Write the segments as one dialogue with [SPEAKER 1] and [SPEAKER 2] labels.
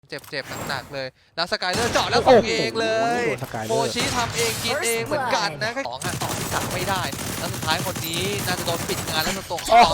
[SPEAKER 1] เจ็บหนักๆเลยแล้วสกายเลอร์เจาะแล้วส่งเองเลยโมชิทำเองกินเองเหมือนกันนะแค่2 ต่อที่ตัดไม่ได้แล้วสุดท้ายคนนี้น่าจะโดนปิดงานแล้วจะตรงต่อ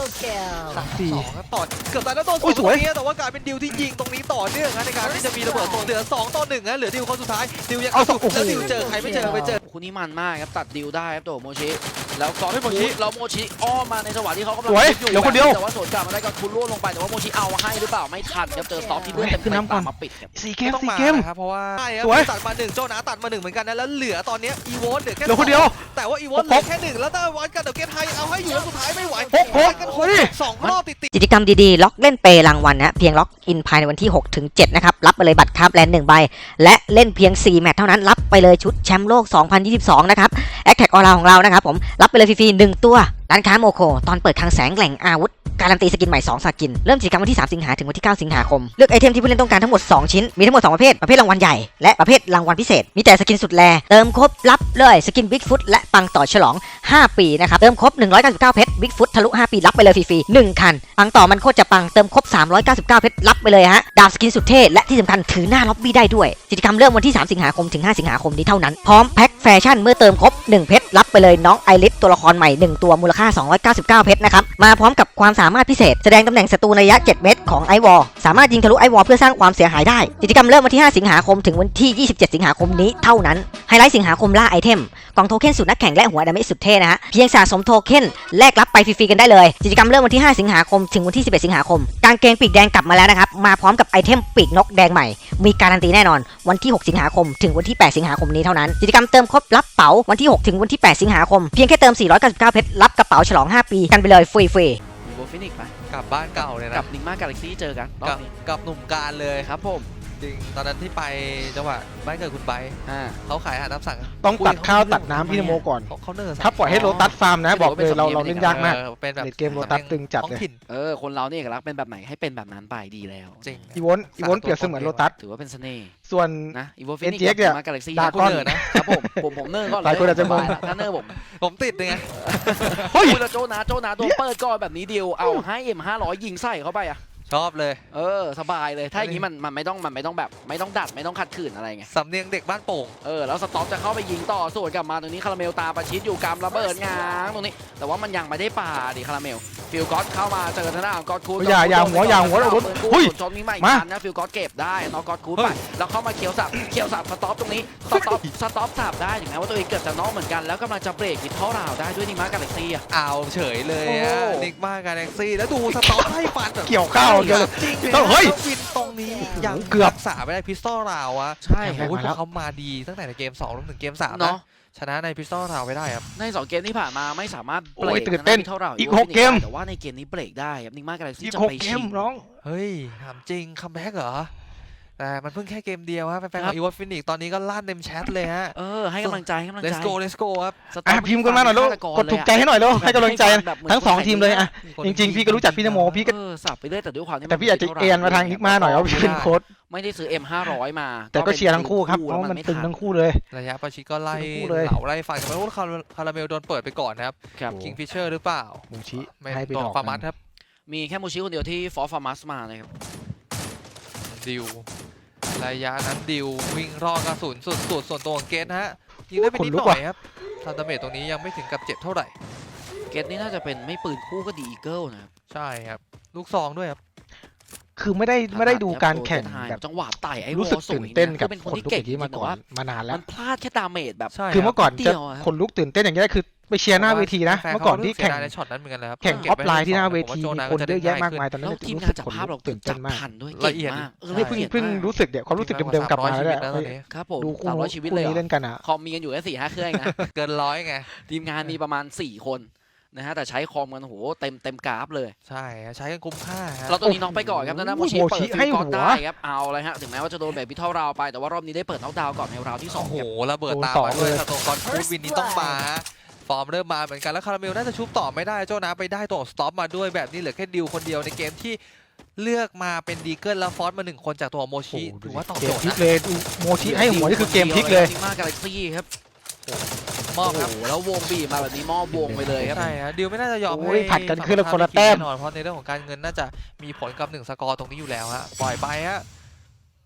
[SPEAKER 1] 3-2ต่อเกือบตายแล้วโดนสวยแต่ว่ากลายเป็นดิวที่ยิงตรงนี้ต่อเนื่องในการที่จะมีระเบิดตัวเหลือ2-1นะเหลือดิวคนสุดท้ายดิวยังเอาแล้วดิวเจอใครไม่เจอ
[SPEAKER 2] คู่นี้มันมากครับตัดดิวได้ครับตัวโมชิแล้วก็โมชิอ้อมมาในจังหวะที่เขากำลังอยู่แต่ว่าสวนกลับมาได้ก็คุณล่วงลงไปแต่ว่าโมชิเอาให้หรือเปล่าไม่ทันครับเจอสต็อปที่เลือดเต็มมาปิดครับ
[SPEAKER 1] 4 เกมครับเพราะว่าตัดมา1โจนาตัดมา1เหมือนกันนะแล้วเหลือตอนนี้อีโวเหลือแค่
[SPEAKER 3] คนเดียว
[SPEAKER 1] แต่ว่าอีโวเหลือแค่1แล้วถ้าวันกันเดี๋ยวเกมไทยเอาให้อยู่แล้วสุดท้ายไม่ไหวกัน2 รอบติด
[SPEAKER 4] กิจกรรมดีๆล็อกเล่นเปรางวัลนะเพียงล็อกอินภายในวันที่6 ถึง 7นะครับรับไปเลยบัตรคาร์บแลนด์1 ใบและเล่นเพียง4 แมตช์เท่านั้นรับไปเลยชุดแชมป์โลก 2022 นะครับแอคแท็กออลาของเรานะครับผมรับไปเลยฟรีๆ1 ตัวร้านค้าโมโคตอนเปิดคลังแสงแหล่งอาวุธการันตีสกินใหม่2 สกินเริ่มกิจกรรมวันที่3 สิงหาถึงวันที่9 สิงหาคมเลือกไอเทมที่ผู้เล่นต้องการทั้งหมด2 ชิ้นมีทั้งหมด2 ประเภทรางวัลใหญ่และประเภทรางวัลพิเศษมีแต่สกินสุดแรเติมครบรับเลยสกินบิ๊กฟุตและปังต่อฉลอง5 ปีนะครับเติมครบ199เพชรบิ๊กฟุตทะลุ5 ปีรับไปเลยฟรีๆ1 คันปังต่อมันโคตรจะปังเติมครบ399เพชรรับไปเลยฮะดาบสกินสุดเท่และที่สำคัญถือหน้าล็อบบี้ได้ด้วยกิจกรรมเริ่มวันที่3 สิงหาคมถึง5 สิงหาคมนี้เท่านั้นพร้อมแพ็คแฟชั่นเมื่อเติมครบ1 เพชรรับไปเลยน้องไอริสตัวละครใหม่1 ตัวมูลค่า299เพชรนะครับมาพร้อมกับความสามารถพิเศษแสดงตำแหน่งศัตรูระยะ7 เมตรของไอวอลสามารถยิงทะลุไอวอลเพื่อสร้างความเสียหายได้กิจกรรมเริ่มวันที่5 สิงหาคมถึงวันที่27 สิงหาคมนี้เท่านั้นไฮไลท์สิงหาคมล่าไอเทมกล่องโทเค็นสุดนักแข่งและหัวดาเมจสุดเท่นะฮะเพียงสะสมโทเค็นแลกรับไปฟรีๆกันได้เลยกิจกรรมเริ่มวันที่5 สิงหาคมถึงวันที่11 สิงหาคมกางเกงปีกแดงกลับมาแล้วนะครับมาพร้อมกับไอเทมปีกนกแดงใหม่มีการันตีแน่นอนวันที่6 สิงหาคมถึงวันที่8 สิงหาคมนี้เท่านั้นกิจกรรมเติมครบรับเป๋าวันที่6 ถึงวันที่8 สิงหาคมเพียงแค่เติม499เพชรรับกระเป๋าฉลอง5 ปีกันไปเลยฟรี
[SPEAKER 2] ๆโบฟินิกไหม
[SPEAKER 1] กลับบ้านเก่าเลยนะ
[SPEAKER 2] กับนิกมากาแล็กซี่เจอกัน
[SPEAKER 1] กับหนุ่มการเลย
[SPEAKER 2] ครับผม
[SPEAKER 1] จริงตอนนั้นที่ไปจังหวัดบ้านเกิดคุณไบเขาขายอาหารตามสั่ง
[SPEAKER 3] ต้องตัดข้าวตัดน้ำพี่นโมก่อน
[SPEAKER 1] เขาเนิร์
[SPEAKER 3] ถ้าปล่อยให้โรตัสฟาร์มนะบอกเลยเราเล่นยากมาก
[SPEAKER 1] เป็นแบบ
[SPEAKER 3] เกมโรตัสตึงจัดเลย
[SPEAKER 2] คนเราเนี่ยเอกลักษณ์เป็นแบบไหนให้เป็นแบบนั้นไปดีแล้ว
[SPEAKER 1] จริง
[SPEAKER 3] อีวอนเปรียบเสมือนโรตัส
[SPEAKER 2] ถือว่าเป็นเสน่ห์
[SPEAKER 3] ส่วน
[SPEAKER 2] นะอีโวฟินิกเนี่ยมากาแล็กซี่
[SPEAKER 3] ดาก้อน
[SPEAKER 2] นะครับผมเนิร์ก็
[SPEAKER 3] หลายคนอาจจะมอง
[SPEAKER 2] ถ้าเนิร์
[SPEAKER 1] ผมติดไง
[SPEAKER 2] เฮ้ยโจนาตัวเปิดก่อนแบบนี้เดียวเอาให้M500ยิงใส่เข้าไปอะ
[SPEAKER 1] ชอบเลย
[SPEAKER 2] สบายเลยถ้าอย่างนี้มันไม่ต้องแบบไม่ต้องดัดไม่ต้องขัดขืนอะไรไง
[SPEAKER 1] สำเนียงเด็กบ้านโป่ง
[SPEAKER 2] แล้วสต็อปจะเข้าไปยิงต่อส่วนกลับมาตรงนี้คาราเมลตาประชิดอยู่กำระเบิดง้างตรงนี้แต่ว่ามันยังไม่ได้ป่าดิคาราเมลฟิลก๊อตเข้ามาเจอทางด้านก๊อตคูด
[SPEAKER 3] อย่าหัวเราลุ้น
[SPEAKER 2] หุ้ยชนมีใหม่กันนะฟิลก๊อตเก็บได้น้องก๊อตคูดไปแล้วเข้ามาเขียวสับสต็อปตรงนี้สต็อปสับได้ถึงแม้ว่าตัวเองเกิดจะน้องเหมือนกันแล้วกำลังจะเบรกมิดเท่าราวได้ด้วยนิกมากาแล็กซี่
[SPEAKER 1] เอาเฉยเลยนิกมากาแล็กซี่แล้วดูสต็อปให้ฟัน
[SPEAKER 3] เกี่ยวข้าวเยอะ
[SPEAKER 1] เฮ้ยฟินตรงนี้ยัง
[SPEAKER 3] เกือบ
[SPEAKER 1] สาไม่ได้พิสตอลราวะ
[SPEAKER 2] ใช่
[SPEAKER 1] โอ้ยเขามาดีตั้งแต่ในเกม2รวมถึงเกม3นะชนะในพิสตอลราวไปได้ครับ
[SPEAKER 2] ใน2 เกมที่ผ่านมาไม่สามารถเบรกเท่าเรา
[SPEAKER 3] อีก6 เกม
[SPEAKER 2] แต่ว่าในเกมนี้เบรกได้ครับนิกมากาแล็กซี่จะไป
[SPEAKER 3] ชิงน้อง
[SPEAKER 1] เฮ้ยถามจริงคัมแบ็กเหรอแต่มันเพิ่งแค่เกมเดียวฮะแฟนๆของอีวอฟินิกตอนนี้ก็ลั่นเต็มแชทเลยฮะ
[SPEAKER 2] ให้กำลังใจ
[SPEAKER 1] let's go ครับ
[SPEAKER 3] พิมพ์กันมาหน่อยลูกกดถูกใจให้หน่อยลูกให้กำลังใจทั้ง2 ทีมเลยอ่ะจริงๆพี่ก็รู้จักพี่นโมพี่ก็
[SPEAKER 2] สับไปเรื่อยแต่ด้วยความ
[SPEAKER 3] แต่พี่อาจจะเอ็นมาทางนิกมาหน่อยเอาพี่เป็นโค้ช
[SPEAKER 2] ไม่ได้ซื้อ M500 มา
[SPEAKER 3] แต่ก็เชียร์ทั้งคู่ครับเพราะมันตึงทั้งคู่เลย
[SPEAKER 1] ระยะประชิดก็ไล่เหล่าไล่ฟันกันไปว่าคาราเมลโดนเปิดไปก่อนนะครับคิงฟิชเชอร์หรือเปล่า
[SPEAKER 3] มูชิ
[SPEAKER 1] ให้ไปดอกฟาร์มัสครับ
[SPEAKER 2] มีแค่มูชิคนเดียวที่ฟอร์ฟาร์มัสมาเลยครับ
[SPEAKER 1] ดิวระยะนั้นดิววิ่งรอกระสุนสุดส่วนตัวของเกตฮะยิงได้ไปนิดหน่อยครับทาร์เมตตรงนี้ยังไม่ถึงกับเจ็บเท่าไหร่
[SPEAKER 2] เกตนี่น่าจะเป็นไม่ปืนคู่ก็ดีอีเกิลนะครับ
[SPEAKER 1] ใช่ครับลูกซองด้วยครับ
[SPEAKER 3] คือไม่ได้ดูการแข่งแบบ
[SPEAKER 2] จังหวะไต่ไอ้
[SPEAKER 3] รู้สึกตื่นเต้นกับคนลุกอย่างนี้มาก่อนมานานแล้ว
[SPEAKER 2] มันพลาดแค่ดาเมจแบบ
[SPEAKER 3] คือเมื่อก่อนจะคนลุกตื่นเต้นอย่างนี้คือไปเชียร์หน้าเวทีนะเมื่อก่อนที่แข่ง
[SPEAKER 1] ในช็อตนั้นเหมือนกันครับ
[SPEAKER 3] แข่งออฟไลน์ที่หน้าเวทีคนเยอะแยะมากมายตอนนั้น
[SPEAKER 2] ทีม
[SPEAKER 3] รู้
[SPEAKER 2] งา
[SPEAKER 3] สึ
[SPEAKER 2] นจับภาพเรา
[SPEAKER 3] ตื่นเต้นมาก
[SPEAKER 2] ละเอียดมาก
[SPEAKER 3] เพิ่งรู้สึกความรู้สึกเดิมๆกลับมาแล้ว
[SPEAKER 2] ครับผม
[SPEAKER 3] ดูคู่ชีวิตเลยเล่นกันอ่ะ
[SPEAKER 2] คอมมีกันอยู่แค่4-5 เครื่องนะ
[SPEAKER 1] เกิน100ไง
[SPEAKER 2] ทีมงานมีประมาณ4 คนนะฮะแต่ใช้คอมกันโหเต็มกราฟเลย
[SPEAKER 1] ใช่ใช้กันคุ้มค่า
[SPEAKER 2] เราตัวนี้น้องไปก่อนครับนะโมชิเปิดฟิลก่อนได้ครับเอาเลยฮะถึงแม้ว่าจะโดนแบบพิทเท่าราวไปแต่ว่ารอบนี้ได้เปิดน็อกดาวน์ก่อนในราวที่2
[SPEAKER 1] โอ้โหระเบิดตามมาด้วยสโตกอนคูดวินนี้ต้องมาฟอร์มเริ่มมาเหมือนกันแล้วคาราเมลน่าจะชุบต่อไม่ได้โจนาไปได้ตัวสต็อปมาด้วยแบบนี้เหลือแค่ดิวคนเดียวในเกมที่เลือกมาเป็นดีเกิลแล้วฟอสมา1 คนจากตัวโมชิถือว่าตอบโจทย์
[SPEAKER 3] นะเลยโมชิให้หัวนี่คือเกมพลิกเลย
[SPEAKER 2] มากกาแล็กซี่ครับ
[SPEAKER 1] มอบครับ
[SPEAKER 2] แล้ววงบีมาแบบนี้มอบวงไปเลยครับ
[SPEAKER 1] ใช่ฮะดิวไม่น่าจะยอมให้
[SPEAKER 3] ผัดกันคือคนละแต้ม
[SPEAKER 1] นอนเพราะในเรื่องของการเงินน่าจะมีผลกับ1 สกอร์ตรงนี้อยู่แล้วฮะปล่อยไปฮะ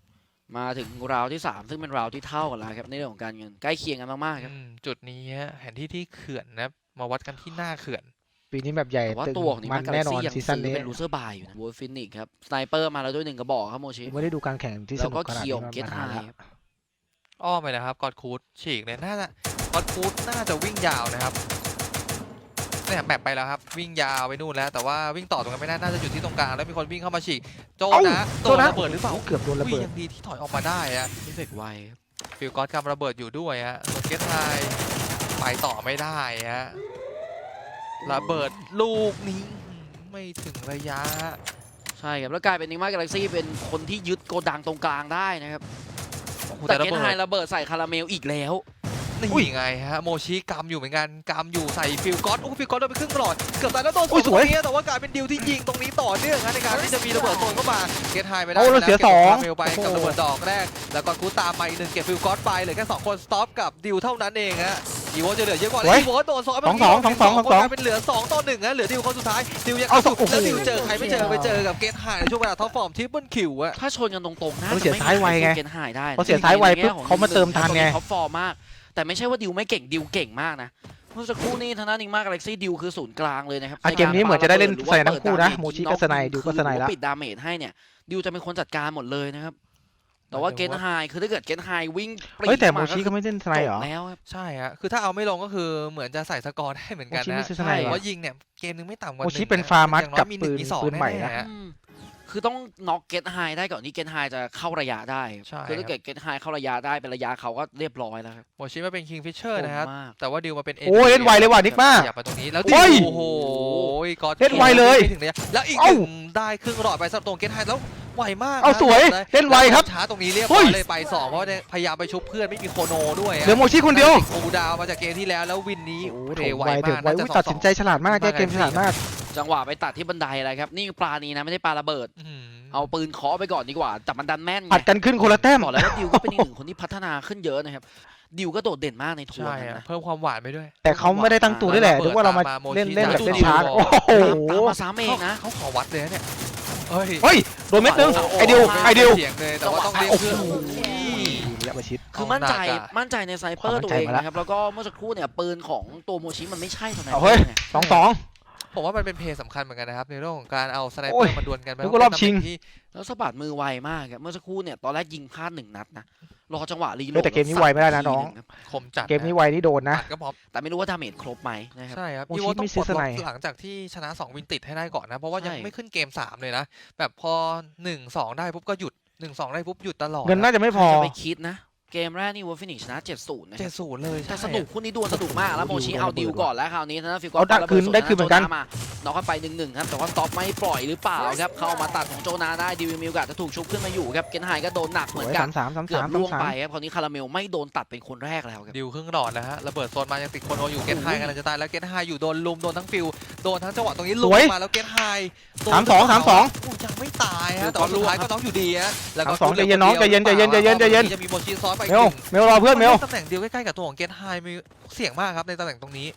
[SPEAKER 2] มาถึงราวที่ 3 ซึ่งเป็นราวที่เท่ากันแล้วครับในเรื่องของการเงินใกล้เคียงกันมากๆครับ
[SPEAKER 1] จุดนี้ฮะแผนที่ที่เขื่อนนะมาวัดกันที่หน้าเขื่อน
[SPEAKER 3] ปีนี้แบบใหญ่
[SPEAKER 2] แต่ว่า
[SPEAKER 3] ตึง
[SPEAKER 2] ตัวของนิ
[SPEAKER 3] มั
[SPEAKER 2] มาน กา
[SPEAKER 3] แน่
[SPEAKER 2] แล็ก
[SPEAKER 3] นอน
[SPEAKER 2] ซี่ยัง
[SPEAKER 3] ซีซั่น
[SPEAKER 2] ซื้อ
[SPEAKER 3] นี้
[SPEAKER 2] เป็นลูเซอร์บายอยู่นะวูฟินิกครับสไนเปอร์มาแล้วด้วย1กระบอกครับโมชิ
[SPEAKER 3] ไม่ได้ดูการแข่งที่ส
[SPEAKER 2] แล้ว
[SPEAKER 3] นุ
[SPEAKER 2] ก็
[SPEAKER 3] กขนาด
[SPEAKER 2] เคียว
[SPEAKER 3] นี้
[SPEAKER 2] เกต
[SPEAKER 3] มา
[SPEAKER 2] ไฮ
[SPEAKER 3] นานแล้ว
[SPEAKER 1] อ้อมไปนะครับกอดคูดฉีกเนี่ยน่าจะกอดคูดน่าจะวิ่งยาวนะครับเนี่ยแมปไปแล้วครับวิ่งยาวไปนู่นแล้วแต่ว่าวิ่งต่อตรงนั้นไม่ได้น่าจะอยู่ที่ตรงกลางแล้วมีคนวิ่งเข้ามาฉีกโจนะโดนระเบิดหรือเปล่า
[SPEAKER 3] เกือบโดนระ
[SPEAKER 1] อุ้ย
[SPEAKER 3] เบิด
[SPEAKER 1] ยังดีที่ถอยออกมาได้ฮะ
[SPEAKER 2] นี่เฟกไวครับ
[SPEAKER 1] ฟิลกอสกำระเบิดอยู่ด้วยฮะส่วนเกตไฮไปต่อไม่ได้ฮะระเบิดลูกนี้ไม่ถึงระยะ
[SPEAKER 2] ใช่ครับแล้วกลายเป็นนิมากาแล็กซี่เป็นคนที่ยึดโกดังตรงกลางได้นะครับ
[SPEAKER 1] โอ้โห
[SPEAKER 2] แต่
[SPEAKER 1] แต่ระ
[SPEAKER 2] เกต
[SPEAKER 1] เบิ
[SPEAKER 2] ไฮ
[SPEAKER 1] ด
[SPEAKER 2] ระเบิดใส่คาราเมลอีกแล้ว
[SPEAKER 1] นี่ไงฮะโมชิกำอยู่เหมือนกันกำอยู่ใส่ฟิลกอสโอ้ฟิลกอสโดนไปครึ่งหลอดเกือบตายแล้วโดน
[SPEAKER 3] อุ้ยสวย
[SPEAKER 1] ตรงนี้แต่ว่ากลายเป็นดิวที่ยิงตรงนี้ต่อเนื่องฮะในการที่จะมีระเบิดโซนเข้ามาเกตไฮไปได้
[SPEAKER 3] โอ้เราเสีย
[SPEAKER 1] ก็บ
[SPEAKER 3] สอง
[SPEAKER 1] คาเมลไปกับ
[SPEAKER 3] โอ้โห
[SPEAKER 1] ระเบิดดอกแรกแล้วก็กูตามมาอีกหนึ่งเก็บฟิลกอสไปเหลือแค่2คนสต็อปกับดิวเท่านั้นเองฮะอีโวจะเหลือเยอะกว่าแล้วอีโวโดนซ้อนไป
[SPEAKER 3] สองสองสองสอง
[SPEAKER 1] คนกลายเป็นเหลือ2 ต่อ 1ฮะเหลือดิวคนสุดท้ายดิวยัง
[SPEAKER 3] เอา
[SPEAKER 1] เอาสุด
[SPEAKER 3] โอ้โห
[SPEAKER 1] แล้วดิวเจอใครไม่เจอไปเจอกับเกตไฮในช่วงเวลาท็อปฟอร์มทิปเปิลคิวอะ
[SPEAKER 2] ถ้าชนกันตรงๆน่า
[SPEAKER 3] เขา
[SPEAKER 2] จะ
[SPEAKER 3] เสีย
[SPEAKER 2] ไม่
[SPEAKER 3] ซ้ายไวไง
[SPEAKER 2] เกตไฮได้นะ
[SPEAKER 3] เขาเสียซ้ายไวปุ๊บเขามาเติมทันไง
[SPEAKER 2] ท็อปฟอร์มมากแต่ไม่ใช่ว่าดิวไม่เก่งดิวเก่งมากนะเมื่อสักครู่นี้ทางด้านนิมากาแล็กซี่ดิวคือศูนย์กลางเลยนะครับ
[SPEAKER 3] เกมนี้เหมือนจะได้เล่นสไนทั้งคู่นะโมชิก็สไนดิวก็สไนแล้ว
[SPEAKER 2] ปิดดาเมจให้เนี่ยดิวจะเป็นคนจัดการหมดเลยนะครับแต่ว่าเกตไฮคือถ้าเกิดเกตไฮวิ่งปรี
[SPEAKER 3] เฮ้ยแต่โม
[SPEAKER 2] า
[SPEAKER 3] ชิก็ไม่เล่นสไนเหรอ
[SPEAKER 2] จบแล้วครับ
[SPEAKER 1] ใช่ฮะคือถ้าเอาไม่ลงก็คือเหมือนจะใส่สกอร์ได้เหมือนกัน
[SPEAKER 3] โมชิ
[SPEAKER 1] นะ
[SPEAKER 3] ไม่ซื้อสไนเหรอ
[SPEAKER 1] ว่ายิงเนี่ยเกมนึงไม่ต่ำกว่า
[SPEAKER 3] โมชิ
[SPEAKER 1] 1
[SPEAKER 3] เป็นฟาร์มัส
[SPEAKER 1] อย่งน้อย
[SPEAKER 3] กับ
[SPEAKER 1] มี
[SPEAKER 3] ปืน
[SPEAKER 1] 1 มี 2
[SPEAKER 3] ปืนใหม่นะ
[SPEAKER 1] แๆฮ
[SPEAKER 2] คือต้องน็อกเกตไฮได้ก่อนที่เกตไฮจะเข้าระยะได้ครับ
[SPEAKER 1] ใช่
[SPEAKER 2] คือถ้าเกิดเกตไฮเข้าระยะได้เป็นระยะเขาก็เรียบร้อยแล้วครับ
[SPEAKER 1] โมชิมาเป็นคิงฟิชเชอร์นะครับ
[SPEAKER 2] โหดมาก
[SPEAKER 1] แต่ว่าดิวมาเป็น
[SPEAKER 3] โอ้ยเล่นไวเลยว่ะนิกมา
[SPEAKER 1] อยากไปตรงนี้แล้ว
[SPEAKER 3] โอ้
[SPEAKER 1] ดิ
[SPEAKER 3] ย
[SPEAKER 1] วโอ้โหก็
[SPEAKER 3] เล่นไวเลย
[SPEAKER 1] ไม่ถึงระยะแล้วอีกห
[SPEAKER 3] เอ้า
[SPEAKER 1] นึ่งได้ครึ่งหลอดไปสำหรับตรงเกตไฮแล้วไวมาก
[SPEAKER 3] เอา
[SPEAKER 1] นะ
[SPEAKER 3] สวยเล่นไวครับ
[SPEAKER 1] ช้าตรงนี้เรียบ
[SPEAKER 3] เฮ้
[SPEAKER 1] ร้อย ยเลยไป2เพราะว่าพยายามไปชุบเพื่อนไม่มีโคโนด้วย
[SPEAKER 3] เหลือโมชิคนเดียว
[SPEAKER 1] กูดาวมาจากเกมที่แล้วแล้ววินนี้
[SPEAKER 3] โอ้
[SPEAKER 1] เท
[SPEAKER 3] โห
[SPEAKER 1] ไว
[SPEAKER 3] ไวถึง
[SPEAKER 1] มาก
[SPEAKER 3] ไว
[SPEAKER 1] น่า
[SPEAKER 3] อุ๊ย
[SPEAKER 1] จะ
[SPEAKER 3] ตัดสินใจฉลาดมากแก้เกมฉลาดมาก
[SPEAKER 2] จังหวะไปตัดที่บันไดอะไรครับนี่ปลานี้นะไม่ได้ปลาระเบิด
[SPEAKER 1] อื้อหือ
[SPEAKER 2] เอาปืนเคาะไปก่อนดีกว่าแต่มันดันแม่นไง
[SPEAKER 3] ผัดกันขึ้นคนละแต้ม
[SPEAKER 2] บอกแล้วว่าดิวก็เป็นอีกหนึ่งคนที่พัฒนาขึ้นเยอะนะครับดิวก็โดดเด่นมากในทัว
[SPEAKER 1] ใช่
[SPEAKER 2] ร์
[SPEAKER 1] อะ
[SPEAKER 2] นะ
[SPEAKER 1] เพิ่มความหวานไปด้วย
[SPEAKER 3] แต่เขาไม่ได้ตั้งตัวด้วยแหละนึกว่าเรามาเล่นแบบเล่นช้าโอ้โห
[SPEAKER 2] ตามมาซ้ำเองนะ
[SPEAKER 1] เขาขอวัดเลยนะเนี่ยเฮ้ย
[SPEAKER 3] เฮ้ยโดนเม็ดนึง
[SPEAKER 2] โอ้โห
[SPEAKER 3] ไอเดียวไอเดียว
[SPEAKER 1] เสียงเลยแต่ว่าต้องเรียก
[SPEAKER 3] โอ้
[SPEAKER 1] เพื่อน
[SPEAKER 3] โห
[SPEAKER 1] โอ้ย
[SPEAKER 3] ระยะประชิด
[SPEAKER 2] คือมั่นใจ
[SPEAKER 1] เอาหนักอะ
[SPEAKER 2] มั่นใจในไซเปอร์
[SPEAKER 3] ความมั่
[SPEAKER 2] ตั
[SPEAKER 3] น
[SPEAKER 2] ว
[SPEAKER 3] ใจ
[SPEAKER 2] เอง
[SPEAKER 3] มาแล้ว
[SPEAKER 2] นะครับแล้วก็เมื่อสักครู่เนี่ยปืนของตัวโมชิมันไม่ใช่เท่านั้น
[SPEAKER 3] เอาเฮ้ย
[SPEAKER 2] ไง
[SPEAKER 3] 2-2
[SPEAKER 1] ผมว่ามันเป็นเพย์สำคัญเหมือนกันนะครับในเรื่องของการเอาสไนเป
[SPEAKER 3] โอ้
[SPEAKER 1] อย ร์มาดวลกัน
[SPEAKER 3] นึกว่ารอบชิง
[SPEAKER 1] ที่
[SPEAKER 2] แล้วสะบัดมือไวมากครับเมื่อสักครู่เนี่ยตอนแรกยิงพลาด1 นัดนะรอจังหวะรีโหล
[SPEAKER 3] เฮ้ย
[SPEAKER 2] ด
[SPEAKER 3] แต่เกมนี้ไวไม่ได้นะน้อง
[SPEAKER 2] ครับ
[SPEAKER 1] คมจัด
[SPEAKER 3] เกมนี้ไวนี่โดนนะ
[SPEAKER 1] ตัดก็พร้อม
[SPEAKER 2] แต่ไม่รู้ว่าดาเมจครบไหมนะครับ
[SPEAKER 1] ใช่ครับ
[SPEAKER 3] โมชิ
[SPEAKER 1] อีโวต้อง
[SPEAKER 3] ไม่
[SPEAKER 1] ป
[SPEAKER 3] ซื้
[SPEAKER 1] ล
[SPEAKER 3] อ
[SPEAKER 1] ด
[SPEAKER 3] ส
[SPEAKER 1] ล็
[SPEAKER 3] ไน
[SPEAKER 1] อกหลังจากที่ชนะ2 วินติดให้ได้ก่อนนะเพราะว่ายัง
[SPEAKER 2] ใช่
[SPEAKER 1] ไม่ขึ้นเกม3เลยนะแบบพอ 1-2 ได้ปุ๊บก็หยุด 1-2 ได้ปุ๊บหยุดตลอด
[SPEAKER 3] เงินน่าจะไม่พอ
[SPEAKER 2] จะไปคิดนะเกมแรกนี่วอลฟินิชนะ 70 นะครับ
[SPEAKER 1] 70เลย
[SPEAKER 2] แต่
[SPEAKER 1] ใช่
[SPEAKER 2] สนุกคู่นี้ดวลสนุกมากแล้วโมชิเอาดิวก่อนแล้วคราวนี้นะฟิล
[SPEAKER 3] เอาได้คืนได้คืนเหมือนกัน
[SPEAKER 2] มาน็อกกันไป1-1ครับแต่ว่าสต็อปไม่ปล่อยหรือเปล่าครับเข้ามาตัดของโจนาได้ดิวมีโอกาสจะถูกชุบขึ้นมาอยู่ครับเกนไฮก็โดนหนัก
[SPEAKER 3] ส
[SPEAKER 2] เหมื
[SPEAKER 3] ว
[SPEAKER 2] อย นกัน
[SPEAKER 3] 3-3
[SPEAKER 2] เกือบล่วง
[SPEAKER 3] 3-3
[SPEAKER 2] ไปครับคราวนี้คาราเมลไม่โดนตัดเป็นคนแรกแล้วครับ
[SPEAKER 1] ดิวครึ่งหลอดแล้วฮะระเบิดโซนมายังติดโคโนอยู่เกตไฮกำลังจะตายแล้วเกตไฮอยู่โดนลุมโดนทั้งฟิลโดนทั้งจังหวะตรงนี้ลุม
[SPEAKER 3] สวย
[SPEAKER 1] มาแล้วเกตไฮ
[SPEAKER 3] 3-2
[SPEAKER 1] โอ้ยังไม่ตายฮะแต่ว่าสุดท้ายก็น้องอยู่ดีฮะแล้วก็
[SPEAKER 3] 3-2ใจเย็นน้องใจเย็นใจเย็นใจเย็นใจเย็น
[SPEAKER 1] จะมีโมชิซ้อนไป
[SPEAKER 3] เมลเมลรอเพื่อนเมล
[SPEAKER 1] ตำแหน่งเดียวใกล้ๆกับตัวของเกตไฮมีเสี่ยงมากครับในตำแหน่งตรงนี้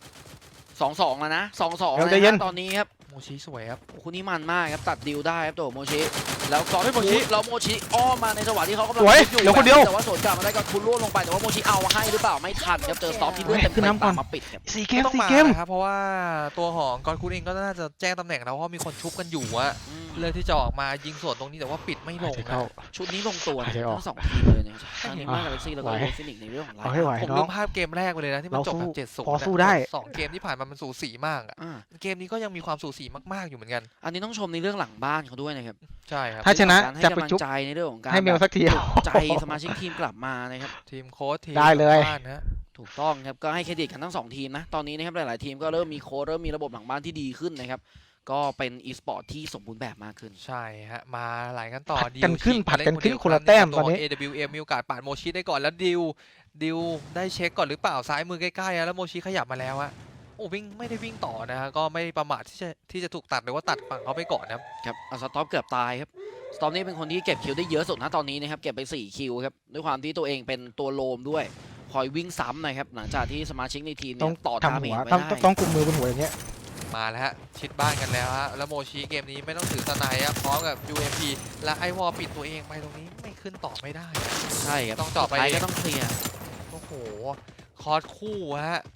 [SPEAKER 2] 2-2แล้วนะ 2-2
[SPEAKER 3] เดี๋ยว
[SPEAKER 2] นะ
[SPEAKER 3] ใจเย็น
[SPEAKER 2] ตอนนี้ครับ
[SPEAKER 1] โมชิสวยครับ
[SPEAKER 2] โอ้คู่นี้มันมากครับตัดดิวได้ครับตัวโมชิแล้วก็
[SPEAKER 1] เฮ้ยโมชิ
[SPEAKER 2] แล้วโมชิอ้อมมาในจังหวะที่เขากำลัง
[SPEAKER 3] สวย
[SPEAKER 2] อยู่
[SPEAKER 3] เหลือคนเดียว
[SPEAKER 2] แต่ว่าสวนกลับมาได้ก็คุณล่วงลงไปแต่ว่าโมชิเอาให้หรือเปล่าไม่ทันครับเจอสต็อปที่เลือดเต็ม
[SPEAKER 3] ขึ้นน้ำก่อน
[SPEAKER 2] มาปิดครับ
[SPEAKER 3] 4 เกม
[SPEAKER 1] ต้อง
[SPEAKER 3] 4
[SPEAKER 1] มา
[SPEAKER 3] เกม
[SPEAKER 1] นะครับเพราะว่าตัวของกอนคูนเองก็น่าจะแจ้งตำแหน่งแล้วเพราะมีคนชุบกันอยู่อะ
[SPEAKER 2] อืม
[SPEAKER 1] เลือกที่จะออกมายิงสวนตรงนี้แต่ว่าปิดไม่ลง
[SPEAKER 3] หายใจ
[SPEAKER 1] นะ
[SPEAKER 3] เข้า
[SPEAKER 2] ชุดนี้ลงตัวนะ
[SPEAKER 3] หายใจออก
[SPEAKER 2] ทั้งสองทีมเลยนะครับทั้งนิม่ากาแล็กซี่แล้วก็
[SPEAKER 3] ไหว
[SPEAKER 2] โรฟินิกในเรื่องของไล
[SPEAKER 3] เอาให้ไหว
[SPEAKER 1] ผม
[SPEAKER 3] น้
[SPEAKER 1] ลื
[SPEAKER 3] อง
[SPEAKER 1] มภาพเกมแรกไปเลยนะที่มัน
[SPEAKER 3] เรา
[SPEAKER 1] จบ
[SPEAKER 3] สู้
[SPEAKER 1] แบบ7-0
[SPEAKER 3] พอสู้ได้
[SPEAKER 1] 2 เกมที่ผ่านมามันสูสีมากอะ
[SPEAKER 2] อ่า
[SPEAKER 1] เกมนี้ก็ยังมีความสูสีมากๆอยู่เหมือนกัน
[SPEAKER 2] อันนี้ต้องชมในเรื่องหลังบ้านเขาด้วยนะครับ
[SPEAKER 1] ใช่ครับ
[SPEAKER 3] ถ้าชนะ
[SPEAKER 2] การให้
[SPEAKER 3] จะไป
[SPEAKER 2] กำลัง
[SPEAKER 3] จุ๊บ
[SPEAKER 2] ใจในเรื่องของการ
[SPEAKER 3] ให้เมลสักที
[SPEAKER 2] ปลุกใจสมาชิกทีมกลับมานะครับ
[SPEAKER 1] ทีมโค้ชทีม
[SPEAKER 3] ได้เลย
[SPEAKER 1] บ้านนะ
[SPEAKER 2] ถูกต้องครับก็ให้เครดิตกันทั้งสองทีมนะตอนนี้นะครับหลายๆทีมก็เริ่มมีโค้ชเริ่มมีระบบหลังบ้านที่ดีขึ้นนะครับก็เป็นอีสปอร์ตที่สมบูรณ์แบบมากขึ้น
[SPEAKER 1] ใช่ฮะมาหลายกันต่อ
[SPEAKER 3] ผัดกัน
[SPEAKER 1] ดิว
[SPEAKER 3] ขึ้น
[SPEAKER 1] ฉี
[SPEAKER 3] ผัดกันขึ้น
[SPEAKER 1] เล่
[SPEAKER 3] คนละแต้มตอนนี้
[SPEAKER 1] AWM มีโอกาสปาดโมชิได้ก่อนแล้วดิวได้เช็คก่อนหรือเปล่าซ้ายมือใกล้ๆอะแล้วโมชิขยับมาแล้วอะโอ้วิ่งไม่ได้วิ่งต่อนะฮะก็ไม่ประมาทที่จะถูกตัดหรือว่าตัดฝั่งเขาไปก่อนนะครับ
[SPEAKER 2] ครับสต็อปเกือบตายครับสต็อปนี่เป็นคนที่เก็บคิวได้เยอะสุดนะตอนนี้นะครับเก็บไป4คิวครับด้วยความที่ตัวเองเป็นตัวโลมด้วยคอยวิ่งซ้ำนะครับหลังจากที่สมาชิกในทีม
[SPEAKER 3] ต้
[SPEAKER 2] เนี่
[SPEAKER 3] อง
[SPEAKER 2] ยต่อ
[SPEAKER 3] ทำ
[SPEAKER 2] ดาเม
[SPEAKER 3] หัว
[SPEAKER 2] จไว้
[SPEAKER 3] ต้อง
[SPEAKER 2] ได้
[SPEAKER 3] ต้องกุมมือบนหัวอย่างเงี้ย
[SPEAKER 1] มาแล้วฮะชิดบ้านกันแล้วฮะแล้วโมชิเกมนี้ไม่ต้องถือสไนด์พร้อมกับ UMP และไอวอลปิดตัวเองไปตรงนี้ไม่ขึ้นต่อไม่ได้
[SPEAKER 2] ใช่ครับ
[SPEAKER 1] ต้องเจาะไป
[SPEAKER 2] สุดท้ายก็ต้องเคลียร์
[SPEAKER 1] โอ้โหคอร์สคู่ฮะ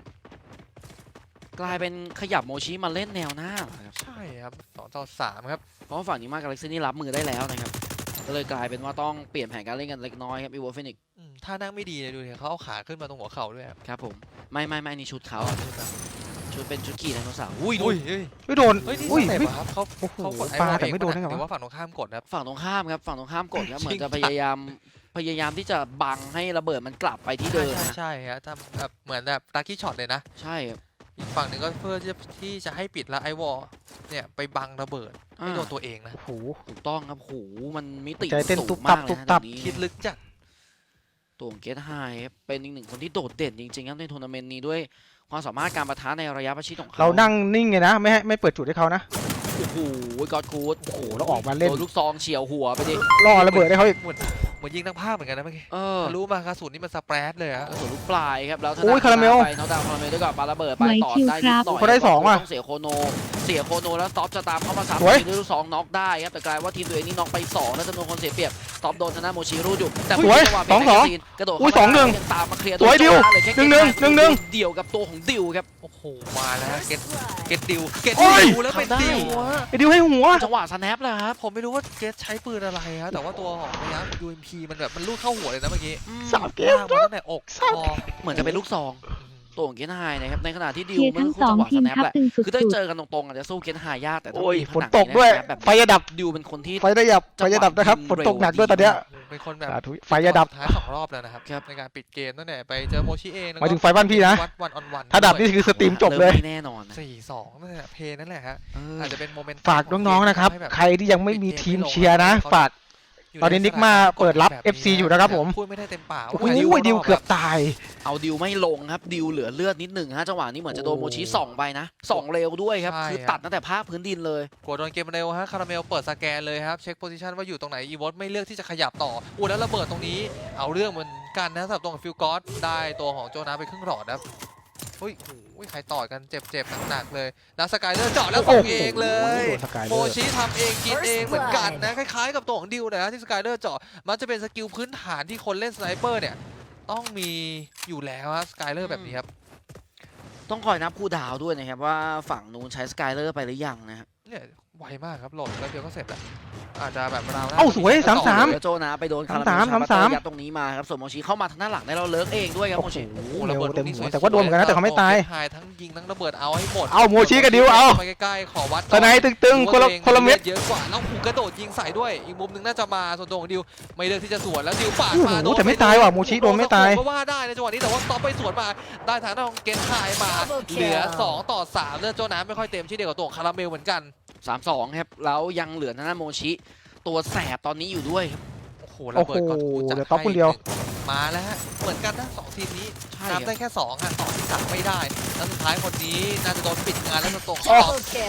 [SPEAKER 2] กลายเป็นขยับโมชิมาเล่นแนวหน้าครับ
[SPEAKER 1] ใช่ครับ2-3ครับ
[SPEAKER 2] เพราะว่าฝั่งนี้มากาแล็กซี่นี่รับมือได้แล้วนะครับก็เลยกลายเป็นว่าต้องเปลี่ยนแผนการเล่นกันเล็กน้อยครับอีวอลฟินิก
[SPEAKER 1] ถ้านั่งไม่ดีเลยดูเนี่ยเขาเอาขาขึ้นมาตรงหัวเข่าด้วยครับ
[SPEAKER 2] ครับผมไม่นี่ชุดเขาชุดเป็นชุดขี่ไดโนเสาร์อุ้ยดู
[SPEAKER 3] ไม่โดน
[SPEAKER 1] เฮ้ยนี่
[SPEAKER 3] อุ้ย
[SPEAKER 1] สเต็ป
[SPEAKER 3] ไม่
[SPEAKER 1] อะครับเขา
[SPEAKER 3] โอ้โห
[SPEAKER 1] เขากดไอ
[SPEAKER 3] ปาว
[SPEAKER 1] อล
[SPEAKER 3] แต่
[SPEAKER 1] เอง
[SPEAKER 3] ไม่โดนได้ไง
[SPEAKER 1] หรือ
[SPEAKER 3] วะ
[SPEAKER 1] ว่าฝั่งตรงข้ามกดครับ
[SPEAKER 2] ฝั่งตรงข้ามครับฝั่งตรงข้ามกดครับเหมือนจะ
[SPEAKER 1] จริง
[SPEAKER 2] พยายามที่จะบังให้ระเบิดมันกลับไปที่เดิมนะ
[SPEAKER 1] ใช่ฮะทำแบบเหมือนแบบตากี้ช็อตเลยนะ
[SPEAKER 2] ใช่ครับ
[SPEAKER 1] อีกฝั่งหนึ่งก็เพื่อที่จะให้ปิดแล้วไอวอลเนี่ยไปบังระเบิดไม่โดนตัวเองนะ
[SPEAKER 3] โอ้โห
[SPEAKER 2] ถูกต้องครับโหมันมิติ
[SPEAKER 3] ใจเต้น
[SPEAKER 2] สู
[SPEAKER 3] ตุ๊
[SPEAKER 2] ง
[SPEAKER 3] บตั
[SPEAKER 2] มา
[SPEAKER 3] บ
[SPEAKER 2] กเลย
[SPEAKER 3] ตุ๊บ
[SPEAKER 2] นะ
[SPEAKER 3] ตับ
[SPEAKER 2] ตรงนี้
[SPEAKER 1] คิดลึกจัด
[SPEAKER 2] ตัวของเกตไฮครับเป็นอีกหนึ่งคนที่โดดเด่นจริงๆครับในทัวร์นาเมนต์นี้ด้วยความสามารถการปะทะในระยะประชิดของเขา
[SPEAKER 3] เรานั่งนิ่งไงนะไม่เปิดจุดให้เขานะ
[SPEAKER 2] โอ้โหกอดคูด
[SPEAKER 3] โอ้โหแล้วออกมาเล่น
[SPEAKER 2] โดนลูกซองเฉียวหัวไปดิ
[SPEAKER 3] ล่อระเบิดให้เขาอีก
[SPEAKER 1] เหมือนยิงทั้งภาพเหมือนกันนะเมื่อกี้
[SPEAKER 2] เออ
[SPEAKER 1] รู้มากระสุนนี่มันสเปรดเลยอะ
[SPEAKER 2] กระสุนลูกปลายครับแล้วทง
[SPEAKER 3] โอ้ยคาราเมล
[SPEAKER 2] ไปน้องดาวคาราเมลด้วยกับปาระเบิดไปต่อได้นิดหน่อย
[SPEAKER 3] เขาได้สองว่ะ
[SPEAKER 2] ต้องเสียโคโนแล้วสต็อปจะตามเข้ามาซ้ำ
[SPEAKER 3] สวย
[SPEAKER 2] ด้วยลูกซองน็อกได้ครับแต่กลายว่าทีมตัวเองนี่น็อกไป2แล้วจำนวนคนเสียเปรียบสต็อปโดนชนะโมชิรูดอยู่แต่
[SPEAKER 3] สวย
[SPEAKER 2] จังหวะ
[SPEAKER 3] สองสอง
[SPEAKER 2] เบรกแมกกาซีนกระโดด
[SPEAKER 3] อุ้ย
[SPEAKER 2] เข้ามา
[SPEAKER 3] 2-1
[SPEAKER 2] ยังตามมาเคลียร์
[SPEAKER 3] สวยดิว
[SPEAKER 2] เลยแค่
[SPEAKER 3] 1-1
[SPEAKER 2] เดี่ยวกับตัวของดิวครับ
[SPEAKER 1] โอ้โหมาแล้วฮะเก็ตดิวเก็ต
[SPEAKER 3] โอ้ย
[SPEAKER 1] ดิวแล้วเป็นดิวอะ
[SPEAKER 3] ไอ้ดิวให้หัว
[SPEAKER 2] จังหวะสแนปเลยครับ
[SPEAKER 1] ผมไม่รู้ว่าเกตใช้ปืนอะไรฮะแต่ว่าตัวของระยะ UMP มันแบบมันลูดเข้าหัวเลยนะเมื่อกี้
[SPEAKER 3] สามเกม
[SPEAKER 1] ลากมาตั้งแต่อกคอ
[SPEAKER 2] เหมือนจะเป็นลูกซองตัวของเกนไฮนะครับในขณะที่ดิว
[SPEAKER 5] เชียร์
[SPEAKER 2] เมื่
[SPEAKER 5] ทั้
[SPEAKER 2] อง คู่
[SPEAKER 5] สอ
[SPEAKER 2] จั
[SPEAKER 5] ง
[SPEAKER 2] งหวะสแนป
[SPEAKER 5] ทีมทัพ
[SPEAKER 2] แหละ
[SPEAKER 5] ตึงสุ
[SPEAKER 2] คือได้
[SPEAKER 5] ด
[SPEAKER 2] เจอกันตรงๆอาจจะสู้เกนไฮยากแต่ถ้า
[SPEAKER 3] โอ้ย
[SPEAKER 2] มี
[SPEAKER 3] ฝนตกด้วย
[SPEAKER 2] แบบ
[SPEAKER 3] ไฟจะดับ
[SPEAKER 2] ดิวเป็นคนที่
[SPEAKER 3] ไฟจะดับนะครับฝนตกหนักด้วยตอนเนี้ย
[SPEAKER 1] เป็นคนแบบ
[SPEAKER 3] สาธุไฟจะดับ
[SPEAKER 1] ท้าย2 รอบแล้วนะครับ
[SPEAKER 2] ครับ
[SPEAKER 1] ในการปิดเกมตั้งแต่ไปเจอโมชิเองแล้ว
[SPEAKER 3] หมาย
[SPEAKER 1] ก็
[SPEAKER 3] ถึงไฟบ้านพี่นะ
[SPEAKER 1] วัดวันออนวัน
[SPEAKER 3] ถ้าดับนี่คือสตรีมจบเลย
[SPEAKER 2] ไม่แน่นอนนะ
[SPEAKER 1] 4-2นั่นแหละเพลย์นั่นแหละฮะ
[SPEAKER 2] เออ
[SPEAKER 1] อาจจะเป็นโมเมนต์
[SPEAKER 3] ฝากน้องๆนะครับ
[SPEAKER 1] ให้แบบ
[SPEAKER 3] ใครที่ยังไม่มีทีมเชียร์นะ ฝาก ตอนนี้นิกมาเปิดรับ FC อยู่นะครับผม
[SPEAKER 1] พูดไม่ได้เต็มปาก
[SPEAKER 3] โอ้ยดิวเกือบตาย
[SPEAKER 2] เอาดิวไม่ลงครับดิวเหลือเลือดนิดหนึ่งฮะจังหวะนี้เหมือนจะโดนโมชิส่องไปนะส่องเร็วด้วยครับคือตัดตั้งแต่ภาคพื้นดินเลย
[SPEAKER 1] กดโดนเกมเร็วฮะคาราเมลเปิดสแกนเลยครับเช็คโพซิชันว่าอยู่ตรงไหนอีวอตไม่เลือกที่จะขยับต่ออู้แล้วระเบิดตรงนี้เอาเรื่องเหมือนกันนะสำหรับตัวของฟิลกอสได้ตัวของโจนาไปครึ่งหลอดครับเฮ้ยโอ้ยใครต่อยกันเจ็บหนักๆเลยแล้วสกายเลอร์เจาะแล้วส่งเองเลย
[SPEAKER 3] โอ้โหสกายเลอร์
[SPEAKER 1] โมชิทำเองกินเองเหมือนกันนะคล้ายๆกับตัวของดิวนะที่สกายเลอร์เจาะมันจะเป็นสกิลพื้นฐานที่คนเล่นสไนเปอร์เนี่ยต้องมีอยู่แล้วฮะสกายเลอร์แบบนี้ครับ
[SPEAKER 2] ต้องคอยนับคู่ดาวด้วยนะครับว่าฝั่งนู้นใช้สกายเลอร์ไปหรือยังนะครับ
[SPEAKER 1] เนี่ยไวมากครับโหลดแล้วเดียวก็เสร็จแล้วอาจจะแบบราวหน้
[SPEAKER 3] เอ้าสวย
[SPEAKER 2] ต่อ
[SPEAKER 3] 3-3
[SPEAKER 2] เลยโจนะไปโดนคาราเมล
[SPEAKER 3] 3-3
[SPEAKER 2] ชาบัตเตอร์ยัดตรงนี้มาครับส่วนโมชิเข้ามาทางด้านหลังได้เราเลิกเองด้วยครับโมชิ
[SPEAKER 3] โอ้โห
[SPEAKER 1] โอ้โห
[SPEAKER 3] เร็
[SPEAKER 1] ระ
[SPEAKER 3] ว
[SPEAKER 1] เบิด
[SPEAKER 3] เต็ม
[SPEAKER 1] ลูก
[SPEAKER 3] หัว
[SPEAKER 1] นี้
[SPEAKER 3] แต่ว่าโดนเหมือนกันนะแต่เขาไม่ตาย
[SPEAKER 1] หายทั้งยิงทั้งระเบิดเอาให้หมด
[SPEAKER 3] เอาโมชิกับดิวเอา
[SPEAKER 1] ไปใกล้ๆขอวัด
[SPEAKER 3] ตอนไหนตึงๆคนละเม็ด
[SPEAKER 1] เยอะกว่าแล้วหูกระโดดยิงใส่ด้วยอีกมุมหนึงน่าจะมาส่วนตัวของดิวไม่เลือกที่จะสวนแล้วดิวปาด
[SPEAKER 3] โอ้โห
[SPEAKER 1] มาโดน
[SPEAKER 3] แต่ไม่ตายว่ะโมชิโดนไม่ตาย
[SPEAKER 1] ก็ว่าได้ในจังหวะนี้แต่ว่าต่อไปสวนมาได้ทางด้านของเกนไฮมาเหลือ2-3เลือดโจน้ำไม่ค่อยเต็มเช่นเดียวกับตัวของคาราเมลเหมือนกัน
[SPEAKER 2] 3-2ครับแล้วยังเหลือทางด้านโมชิตัวแสบตอนนี้อยู่ด้วยครับ
[SPEAKER 1] โอ้โหระเบิดก่อนกูจะ
[SPEAKER 3] เดี๋ยวต๊อปคนเดียว
[SPEAKER 1] มาแล้วฮะเหมือนกันนะสองทีมนี้
[SPEAKER 2] ใช่ค
[SPEAKER 1] นั
[SPEAKER 2] รั
[SPEAKER 1] บบ ได้แค่2อ่ะต่อที่3ไม่ได้แล้วสุดท้ายคนนี้น่าจะโดนปิดงานแล้วจะตก
[SPEAKER 3] อ๋อ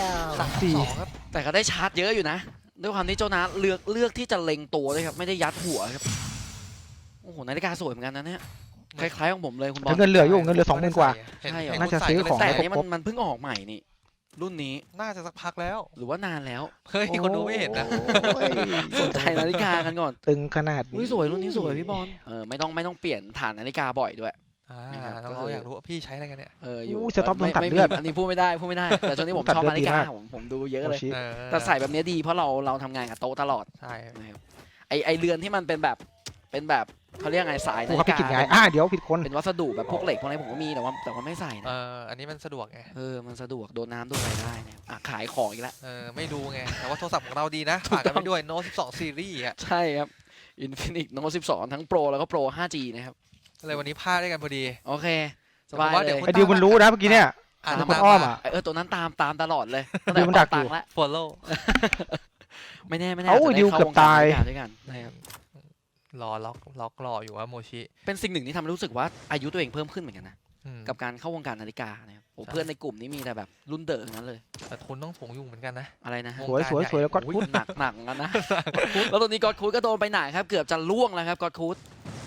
[SPEAKER 1] 3-2ครับ
[SPEAKER 2] แต่ก็ได้ชาร์จเยอะอยู่นะด้วยความที่โจนาเลือกที่จะเล็งตัวด้วยครับไม่ได้ยัดหัวครับโอ้โหนาฬิกาสวยเหมือนกันนะเนี่ยคล้ายๆของผมเลยคุณบอ
[SPEAKER 3] แต่
[SPEAKER 2] ล
[SPEAKER 3] เงินเหลืออยู่เงินเหลือ 20,000 กว่า
[SPEAKER 1] เห็น
[SPEAKER 2] ใช่เหรอ
[SPEAKER 1] เห็น
[SPEAKER 3] น่าจะ
[SPEAKER 1] คุณใส่
[SPEAKER 3] ซื้อ
[SPEAKER 1] ก็เลย
[SPEAKER 3] ของ
[SPEAKER 2] แต่
[SPEAKER 1] ใส่
[SPEAKER 2] อันนี้มันเพิ่งออกใหม่นี่รุ่นนี้
[SPEAKER 1] น่าจะสักพักแล้ว
[SPEAKER 2] หรือว่านานแล้ว
[SPEAKER 1] เฮ้ยคนดูไม่เห็นนะ
[SPEAKER 3] โอ้ย
[SPEAKER 2] สนใจนาฬิกากันก่อน
[SPEAKER 3] ตึงขนาด
[SPEAKER 2] อุ้ย
[SPEAKER 3] นี้
[SPEAKER 2] สวยรุ่นนี้สวยพี่บอลไม่ต้องเปลี่ยนฐานนาฬิกาบ่อยด้วย
[SPEAKER 1] อ่า
[SPEAKER 2] นะครับ
[SPEAKER 1] น้
[SPEAKER 2] ก็
[SPEAKER 1] อง
[SPEAKER 2] คือ
[SPEAKER 1] ๆอยากรู้ว่าพี่ใช้อะไรกันเนี่ย
[SPEAKER 2] อยู่
[SPEAKER 3] อู้สต็อปต้องตัด
[SPEAKER 2] ไม่
[SPEAKER 3] เลือด
[SPEAKER 2] อันนี้พูดไม่ได้แต่ช่วงนี้ผม
[SPEAKER 3] ตัด
[SPEAKER 2] ชอบ
[SPEAKER 3] เลือด
[SPEAKER 2] นาฬิกา
[SPEAKER 3] ดีมาก
[SPEAKER 2] ผมดูเยอะเลย
[SPEAKER 3] โมชิ
[SPEAKER 1] เออ
[SPEAKER 2] แต่ใส่แบบนี้ดีเพราะเราทำงานกับโต๊ะตลอด
[SPEAKER 1] ใช่
[SPEAKER 2] นะครับไอเรือนที่มันเป็นแบบเขาเรียกไงสาย
[SPEAKER 3] กู
[SPEAKER 2] นา
[SPEAKER 3] เขา
[SPEAKER 2] ฬิ
[SPEAKER 3] ไปกินไง
[SPEAKER 2] กา
[SPEAKER 3] เดี๋ยวผิดคน
[SPEAKER 2] เป็นวัสดุแบบพวกเหล็กพวกอะไรผมก็มีแต่ว่าไม่ใส่นะ
[SPEAKER 1] อันนี้มันสะดวกไง
[SPEAKER 2] มันสะดวกโดนน้ำโดนอะไรได้นะครับขายของอีกแล้ว
[SPEAKER 1] ไม่ดูไงแต่ว่าโทรศัพท์ของเราดีนะฝากกันไปด้วย Note 12 Series อ่ะ
[SPEAKER 2] ใช่ครับ Infinix Note 12 ทั้ง Pro แล้วก็ Pro 5G นะครับ
[SPEAKER 1] เลยวันนี้พลาดได้กันพอดี
[SPEAKER 2] โอเคสบาย
[SPEAKER 1] ผมว่า
[SPEAKER 2] เล
[SPEAKER 1] เดี๋ย
[SPEAKER 2] ยว
[SPEAKER 3] ไอ้ดิวมันรู้นะเมื่อกี้เนี่ย
[SPEAKER 1] อ่าน
[SPEAKER 3] มัน
[SPEAKER 1] ตาม
[SPEAKER 3] อ้อมอ่ะ
[SPEAKER 2] ตัวนั้นตามตลอดเลยตั้ง
[SPEAKER 3] ดิ
[SPEAKER 2] แต่
[SPEAKER 3] วมันดัก
[SPEAKER 2] ตั
[SPEAKER 3] อยู่
[SPEAKER 2] งค์แล้ว
[SPEAKER 1] follow
[SPEAKER 2] ไม่แน่
[SPEAKER 3] เอ้า
[SPEAKER 2] จะไ
[SPEAKER 3] ดิวเกือบตาย
[SPEAKER 2] เข้วงกรด้วยกันนะครับ
[SPEAKER 1] รอล็อกรออยู่ว่าโมชิ
[SPEAKER 2] เป็นสิ่งหนึ่งที่ทำให้รู้สึกว่าอายุตัวเองเพิ่มขึ้นเหมือนกันนะ
[SPEAKER 1] อืม
[SPEAKER 2] กับการเข้าวงการนาฬิกานะครับโอ้
[SPEAKER 1] ใช่
[SPEAKER 2] เพื่อนในกลุ่มนี้มีแต่แบบรุ่นเด๋อทั้งนั้นเลย
[SPEAKER 1] แต่ทุนต้องสูงอยู่เหมือนกันนะ
[SPEAKER 2] อะไรนะฮะ
[SPEAKER 3] สวยสวยสวยแล้วก็
[SPEAKER 2] โอ้ยหนักเหมือนกันนะ แล้วตอนนี้กอดคูดก็โดนไปหนาครับเกือบจะล่วงแล้วครับกอดคูด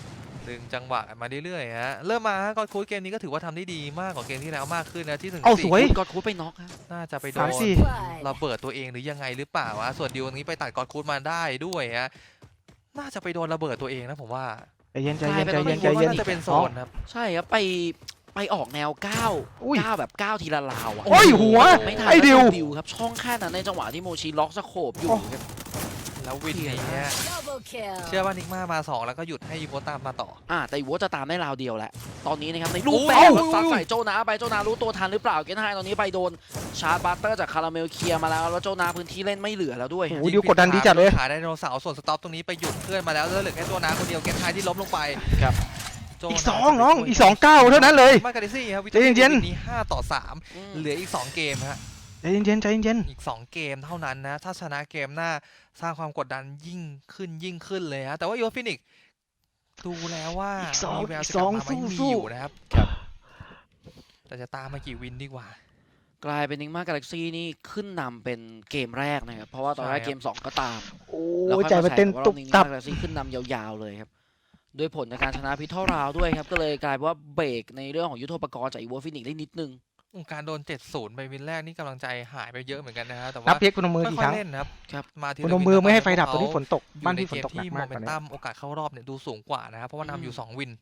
[SPEAKER 1] ดึงจังหวะมาเรื่อยๆฮะเริ่มมาฮะกอดคูดเกมนี้ก็ถือว่าทำได้ดีมากกว่าเกมที่แล้วมากขึ้นนะที่ถึง
[SPEAKER 3] เอาสวย
[SPEAKER 2] กอดคูดไปน็อกฮะ
[SPEAKER 1] น่าจะไปโด
[SPEAKER 3] สาม
[SPEAKER 1] น
[SPEAKER 3] สี่
[SPEAKER 1] ระเบิดตัวเองหรือยังไงหรือเปล่าวะส่วนดิวตรงนี้ไปตัดกอดคูดมาได้ด้วยฮะน่าจะไปโดนระเบิดตัวเองนะผมว่า
[SPEAKER 3] ใจเย็นใจเย็นใจเย็นใจ
[SPEAKER 1] ว่า
[SPEAKER 3] เย็น
[SPEAKER 1] น่าจะเป็นโซนครับ
[SPEAKER 2] ใช่ครับไปออกแนวก้าว
[SPEAKER 3] อุ้ย
[SPEAKER 2] ก้าวแบบก้าวทีละราวอะ
[SPEAKER 3] โอ้ยหัว
[SPEAKER 2] ไม่ทัน
[SPEAKER 3] ไอ้ดิว
[SPEAKER 2] ดิวครับช่องแค่นั้นในจังหวะที่โมชิล็อกสโคปอยู่ครับ
[SPEAKER 1] แล้ววินนี้ฮะ
[SPEAKER 5] Double kill.
[SPEAKER 1] เชื่อว่านิกมามา2แล้วก็หยุดให้อีโวตามมาต่อ
[SPEAKER 2] แต่อีโวจะตามได้ราวเดียวแหละตอนนี้นะครับในรูป
[SPEAKER 1] โอ้
[SPEAKER 2] แบ
[SPEAKER 1] ย
[SPEAKER 2] บซัดใส่โจนาไปโจนารู้ตัวทันหรือเปล่าเกนไฮตอนนี้ไปโดนชาร์จบัตเตอร์จากคาราเมลเคลียร์มาแล้วแล้วโจนาพื้นที่เล่นไม่เหลือแล้วด้วย
[SPEAKER 3] โอ้โหดิวกดดันดีจัดเลย
[SPEAKER 1] ขาไดโนเสาร์ส่วนสต็อปตรงนี้ไปหยุดเพื่อนมาแล้วเหลือแค่ตัวน้าคนเดียวเกนไฮที่ล้มลงไป
[SPEAKER 2] ครับ
[SPEAKER 1] โจ
[SPEAKER 3] อีก
[SPEAKER 1] นา
[SPEAKER 3] สองน้องอีก2 ก้าวเท่านั้นเลย
[SPEAKER 1] มาการิซี่ครับวิ
[SPEAKER 3] ใจเย็นๆ
[SPEAKER 1] นี้5-3เหลืออีก2เกมฮะ
[SPEAKER 3] ใจเย็นใจเย็น
[SPEAKER 1] อีก2เกมเท่านั้นนะถ้าชนะเกมหน้าสร้างความกดดันยิ่งขึ้นเลยฮะแต่ว่าอีโวฟินิกดูแล้วว่ามีแววจะกลับมาไม่มีอยู่นะครับแต่จะตามมากี่วินดีกว่า
[SPEAKER 2] กลายเป็นนิงมากาแล็กซี่นี่ขึ้นนำเป็นเกมแรกนะครับเพราะว่าตอนแรก
[SPEAKER 1] ใช่ครับ
[SPEAKER 2] เกม 2 ก็ตาม
[SPEAKER 3] โอ้
[SPEAKER 2] แล้ว
[SPEAKER 3] ย
[SPEAKER 2] ค่อย
[SPEAKER 3] ใจมันเต้น
[SPEAKER 2] มา
[SPEAKER 3] ตุบ
[SPEAKER 2] นิง
[SPEAKER 3] ตั
[SPEAKER 2] มา
[SPEAKER 3] บ
[SPEAKER 2] กาแล็กซี่ขึ้นนำยาวๆเลยครับด้วยผลจากการชนะพิทเทิลราวด้วยครับก็เลยกลายเป็นว่าเบรกในเรื่องของยุทโธปกรณ์จากอีโวฟินิกได้นิดนึง
[SPEAKER 1] การโดน 7-0 ไปวินแรกนี่กำลังใจหายไปเยอะเหมือนกันนะฮะแต่
[SPEAKER 3] นั
[SPEAKER 1] ว่า
[SPEAKER 3] บเพียกพนมมือกี่
[SPEAKER 1] ค่
[SPEAKER 3] ค
[SPEAKER 1] อย
[SPEAKER 3] รั้ง
[SPEAKER 1] ๆเล่นนะครับ
[SPEAKER 2] ครับ
[SPEAKER 1] มาที
[SPEAKER 3] พ
[SPEAKER 1] ละ
[SPEAKER 3] นม
[SPEAKER 1] วิ
[SPEAKER 3] มือไม่ให้
[SPEAKER 1] ทำ
[SPEAKER 3] ไฟดับตอนนี้ฝนตก
[SPEAKER 1] อยู่
[SPEAKER 3] บ้าน
[SPEAKER 1] ใน
[SPEAKER 3] พี่ฝ
[SPEAKER 1] เก
[SPEAKER 3] น
[SPEAKER 1] ม
[SPEAKER 3] ตกหนัก
[SPEAKER 1] ที่
[SPEAKER 3] มา
[SPEAKER 1] โม
[SPEAKER 3] ก ตอนนี้
[SPEAKER 1] เมนตัมโอกาสเข้ารอบเนี่ยดูสูงกว่านะครับเพราะว่านำอยู่2วิน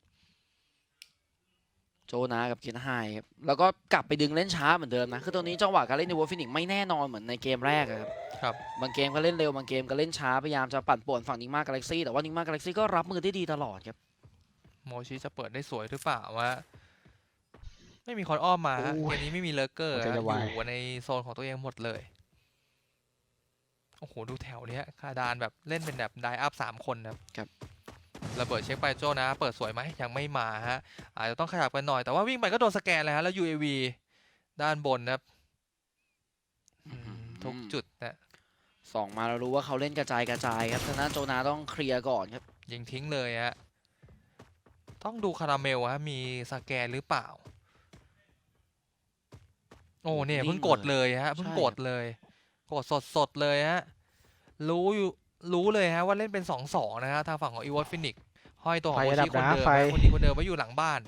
[SPEAKER 2] โจนากับเคนไฮครับแล้วก็กลับไปดึงเล่นช้าเหมือนเดิมนะคือตอนนี้จังหวะการเล่นในวอลฟินิกไม่แน่นอนเหมือนในเกมแรกอะครับ
[SPEAKER 1] ครับ
[SPEAKER 2] บางเกมก็เล่นเร็วบางเกมก็เล่นช้าพยายามจะปั่นป่วนฝั่งนิงมากาแล็กซี่แต่ว่านิงมากาแล็กซี่ก็รับมือได้ดีตลอดครับ
[SPEAKER 1] โมชิจะเปิดได้สวยหรือเปล่าวะไม่มีคนอ้อมมาฮะ
[SPEAKER 3] โอ้
[SPEAKER 1] เก
[SPEAKER 3] ย
[SPEAKER 1] มนี้ไม่มีเลเกอร์
[SPEAKER 3] หัวใจจะวาย
[SPEAKER 1] อยู่ในโซนของตัวเองหมดเลยโอ้โหดูแถวเนี้ยคาดานแบบเล่นเป็นแบบไดอัพ3 คนนะครับ ระเบิดเช็คไปโจนะเปิดสวยไหมยังไม่มาฮะอาจจะต้องขยับกันหน่อยแต่ว่าวิ่งไปก็โดนสแกนเลยฮะแล้ว UAV ด้านบนนะครับทุกจุดนะ
[SPEAKER 2] สองมาเรารู้ว่าเขาเล่นกระจายครับฉะนั้นโจนาต้องเคลียร์ก่อนครับ
[SPEAKER 1] ยิงทิ้งเลยฮะต้องดูคาราเมลฮะมีสแกนหรือเปล่าโอ้เนี่ยเพิ่งกดเลยฮะเพิ่งกดเลยกดสดเลยฮะรู้เลยฮะว่าเล่นเป็น 2-2 นะฮะทางฝั่งของอีวอตฟินิกห้อยตัวของโมชิคนเดิมนะคนนี้คนเดิมไว้อยู่หลังบ้าน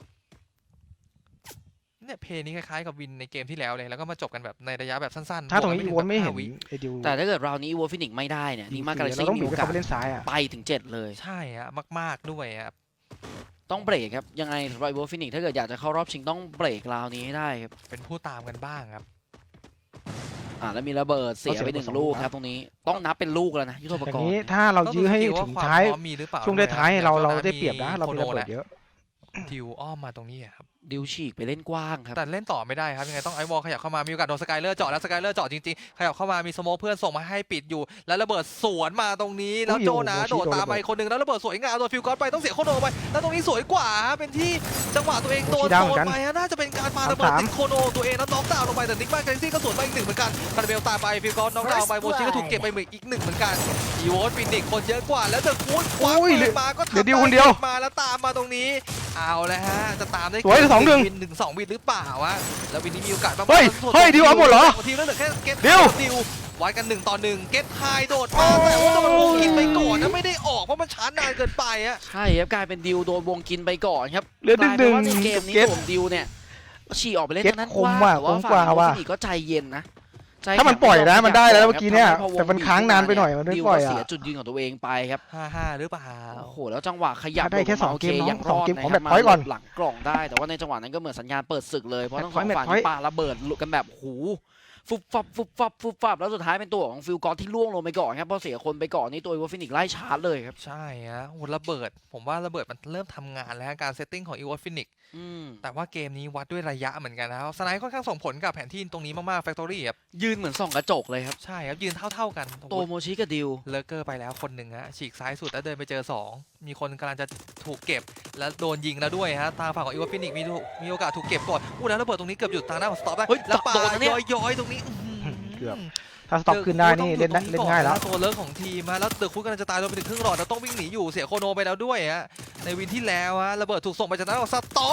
[SPEAKER 1] เนี่ยเพลย์นี้คล้ายๆกับวินในเกมที่แล้วเลยแล้วก็มาจบกันแบบในระยะแบบสั้นๆ
[SPEAKER 3] ถ้าตรงนี้
[SPEAKER 1] บวก
[SPEAKER 3] อี
[SPEAKER 1] กั
[SPEAKER 3] วนไม่เห็น
[SPEAKER 1] 5 วิ
[SPEAKER 3] ไอ้ดิว
[SPEAKER 2] แต่ถ้าเกิดราวนี้อีโวฟินิกไม่ได้เนี่ยนิงมากาแล็ก
[SPEAKER 3] เรา
[SPEAKER 2] ซี่
[SPEAKER 3] ต้อง
[SPEAKER 2] มี
[SPEAKER 3] บีบ
[SPEAKER 2] โอ
[SPEAKER 3] ให้
[SPEAKER 2] กา
[SPEAKER 3] เขา
[SPEAKER 2] ส
[SPEAKER 3] ไปเล่นซ้ายอ่ะ
[SPEAKER 2] ไปถึง 7 เลย
[SPEAKER 1] ใช่ฮะมากๆด้วยครับ
[SPEAKER 2] ต้องเบรกครับยังไงสำหรับอีโวฟินิกถ้าเกิดอยากจะเข้ารอบชิงต้องเบรกราวนี้ให้ได้ครับ
[SPEAKER 1] เป็นผู้ตามกันบ้างครับ
[SPEAKER 2] แล้วมีระเบิดเสียไป1 ลูกครับตรงนี้ต้องนับเป็นลูกแล้วนะยุทโธป
[SPEAKER 3] อก ย่าง
[SPEAKER 2] ร
[SPEAKER 3] นี้
[SPEAKER 2] ณ์
[SPEAKER 3] ถ้าเรายื้อให้ถึงท้าย
[SPEAKER 1] ควมพร้อมมีหรือเปล่า
[SPEAKER 3] ช่วงท้ายๆเราได้
[SPEAKER 1] มี
[SPEAKER 3] เปรียบนะเรามีระเบิด
[SPEAKER 1] โคโ
[SPEAKER 3] เยอะ
[SPEAKER 1] ดิวอ้อมมาตรงนี้อะครับ
[SPEAKER 2] ดิวฉีกไปเล่นกว้างครับ
[SPEAKER 1] แต่เล่นต่อไม่ได้ครับยังไงต้องไอวอลขยับเข้ามามีโอกาสโดนสกายเลอร์เจาะแล้วสกายเลอร์เจาะจริงๆขยับเข้ามามีสโมคเพื่อนส่งมาให้ปิดอยู่ แล้วระเบิดสวนมาตรงนี้แล้วโจนะโดดตามไปคนหนึ่งแล้วระเบิดสวยงามโดนฟิลกอสไปต้องเสียโคโนไปแล้วตรงนี้สวยกว่าฮะเป็นที่จังหวะตัวเองโดนโดนไปฮะน่าจะเป็นการปาระเบิดติดโคโนตัวเองแล้วน็อกดาวน์ลงไปแต่นิกมาแกนซี่ก็สวนไปอีก1เหมือนกันคาร์เบลตามไปฟิลกอสน็อกดาวน์ไปโมชิก็ถูกเก็บไปอีก1เหมือนกันอีโวฟินิกคนเยอะกว่าแล้วเดอะคูดคว้าปืนมาก็ทำได้มาแล้วตามมาตรงนี้เอาแล้วฮะจะตามได้
[SPEAKER 3] สวย2-1
[SPEAKER 1] วิน1-2 วินหรือเปล่าวะแล้ววินนี้มีโอกาสบ้าง
[SPEAKER 3] เฮ้ยดิวเอาหมดเหรอ
[SPEAKER 1] ทีมแล้วเหลือแค่เก็ต
[SPEAKER 3] ดิว
[SPEAKER 1] วัดกัน1-1เก็ตไฮโดดมาแต่ว่าโดนวงกินไปก่อนนะไม่ได้ออกเพราะมันช้านานเกินไปอะ
[SPEAKER 2] ใช่ครับกลายเป็นดิวโดนวงกินไปก่อนครับ
[SPEAKER 3] เหลือก
[SPEAKER 2] ลายเป็นว่าใน
[SPEAKER 3] ดึงๆ
[SPEAKER 2] เกมนี้
[SPEAKER 3] เก็ต
[SPEAKER 2] ผมดิวเนี่ยฉี่ออกไปเล่น
[SPEAKER 3] เก็ต
[SPEAKER 2] ทางนั้น
[SPEAKER 3] คม
[SPEAKER 2] กว้าง
[SPEAKER 3] ว่ะ
[SPEAKER 2] แต่ว่า
[SPEAKER 3] คม
[SPEAKER 2] ฝั่
[SPEAKER 3] กว่า
[SPEAKER 2] ง
[SPEAKER 3] ว่ะ
[SPEAKER 2] ฟินิกก็ใจเย็นนะใจ
[SPEAKER 3] ถ้ามันปล่อยนะมันได้แล้วเมื่อกี้เนี่ยแต่มันค้างนานไปหน่อยมันไม่
[SPEAKER 2] ดิว
[SPEAKER 3] ปล่
[SPEAKER 2] ก็
[SPEAKER 3] อย
[SPEAKER 2] เสีย
[SPEAKER 3] อ่ะ
[SPEAKER 2] จุดยืนของตัวเองไปครับ
[SPEAKER 1] 5-5หรือเปล่า
[SPEAKER 2] โอ้โหแล้วจังหวะขยับ
[SPEAKER 3] ถ้าได้แค่
[SPEAKER 2] ลงมา
[SPEAKER 3] 2 เกม
[SPEAKER 2] โอค
[SPEAKER 3] น้อง
[SPEAKER 2] ยัง
[SPEAKER 3] ส
[SPEAKER 2] ร
[SPEAKER 3] อง
[SPEAKER 2] อด
[SPEAKER 3] เกม
[SPEAKER 2] นะ
[SPEAKER 3] ของ
[SPEAKER 2] ค
[SPEAKER 3] แบ
[SPEAKER 2] รับบ
[SPEAKER 3] พอยต์ก่อน
[SPEAKER 2] หลังกล่องได้แต่ว่าในจังหวะนั้นก็เหมือนสัญญาณเปิดศึกเลยเพราะทั้งสอง
[SPEAKER 3] แมตช์
[SPEAKER 2] ฝ่าย
[SPEAKER 3] พอยต์
[SPEAKER 2] นี่ปาระเบิดกันแบบหูฟุบฟับแล้วสุดท้ายเป็นตัวของฟิลกอสที่ล่วงลงไปก่อนครับเพราะเสียคนไปก่อนนี่ตัววอฟินิกไล่ชาร์จเลยครับ
[SPEAKER 1] ใช่ฮะโหระเบิดผมว่าระเบิดมันเริ่มทำงานแล้วฮะการเซตติ้งของอีวอตฟินิกแต่ว่าเกมนี้วัดด้วยระยะเหมือนกันนะครับสไนด์ค่อนข้างส่งผลกับแผนที่ตรงนี้มากๆแฟคทอรี่ครับ
[SPEAKER 2] ยืนเหมือนส่องกระจกเลยครับ
[SPEAKER 1] ใช่ครับยืนเท่ากัน
[SPEAKER 2] โตโมชิกับดิว
[SPEAKER 1] เลเกอร์ไปแล้วคนหนึ่งฮะฉีกซ้ายสุดแล้วเดินไปเจอ2มีคนกำลังจะถูกเก็บแล้วโดนยิงแล้วด้วยฮะทางฝั่งของอีวอตฟินิกมีโอกาสถูกเก็บก่อนแล้วระเบิดตรงนี้เกือบหยุดทางด้านของสต็อปได้
[SPEAKER 2] เฮ้ย
[SPEAKER 1] แล้วปา
[SPEAKER 2] โดนนะเนี่ย
[SPEAKER 1] ย้อยๆตรงนี้
[SPEAKER 3] เกือบ ถ้าสต็อกขึ้นได้นี่เล่นง่ายแล้ว
[SPEAKER 1] ตัวเลิกของทีมฮะแล้วเดอะคุกกำลังจะตายโดนไปถึงครึ่งหลอดแล้วต้องวิ่งหนีอยู่เสียโคโนไปแล้วด้วยฮะในวินที่แล้วฮะระเบิดถูกส่งไปจากนั้นของสต็อป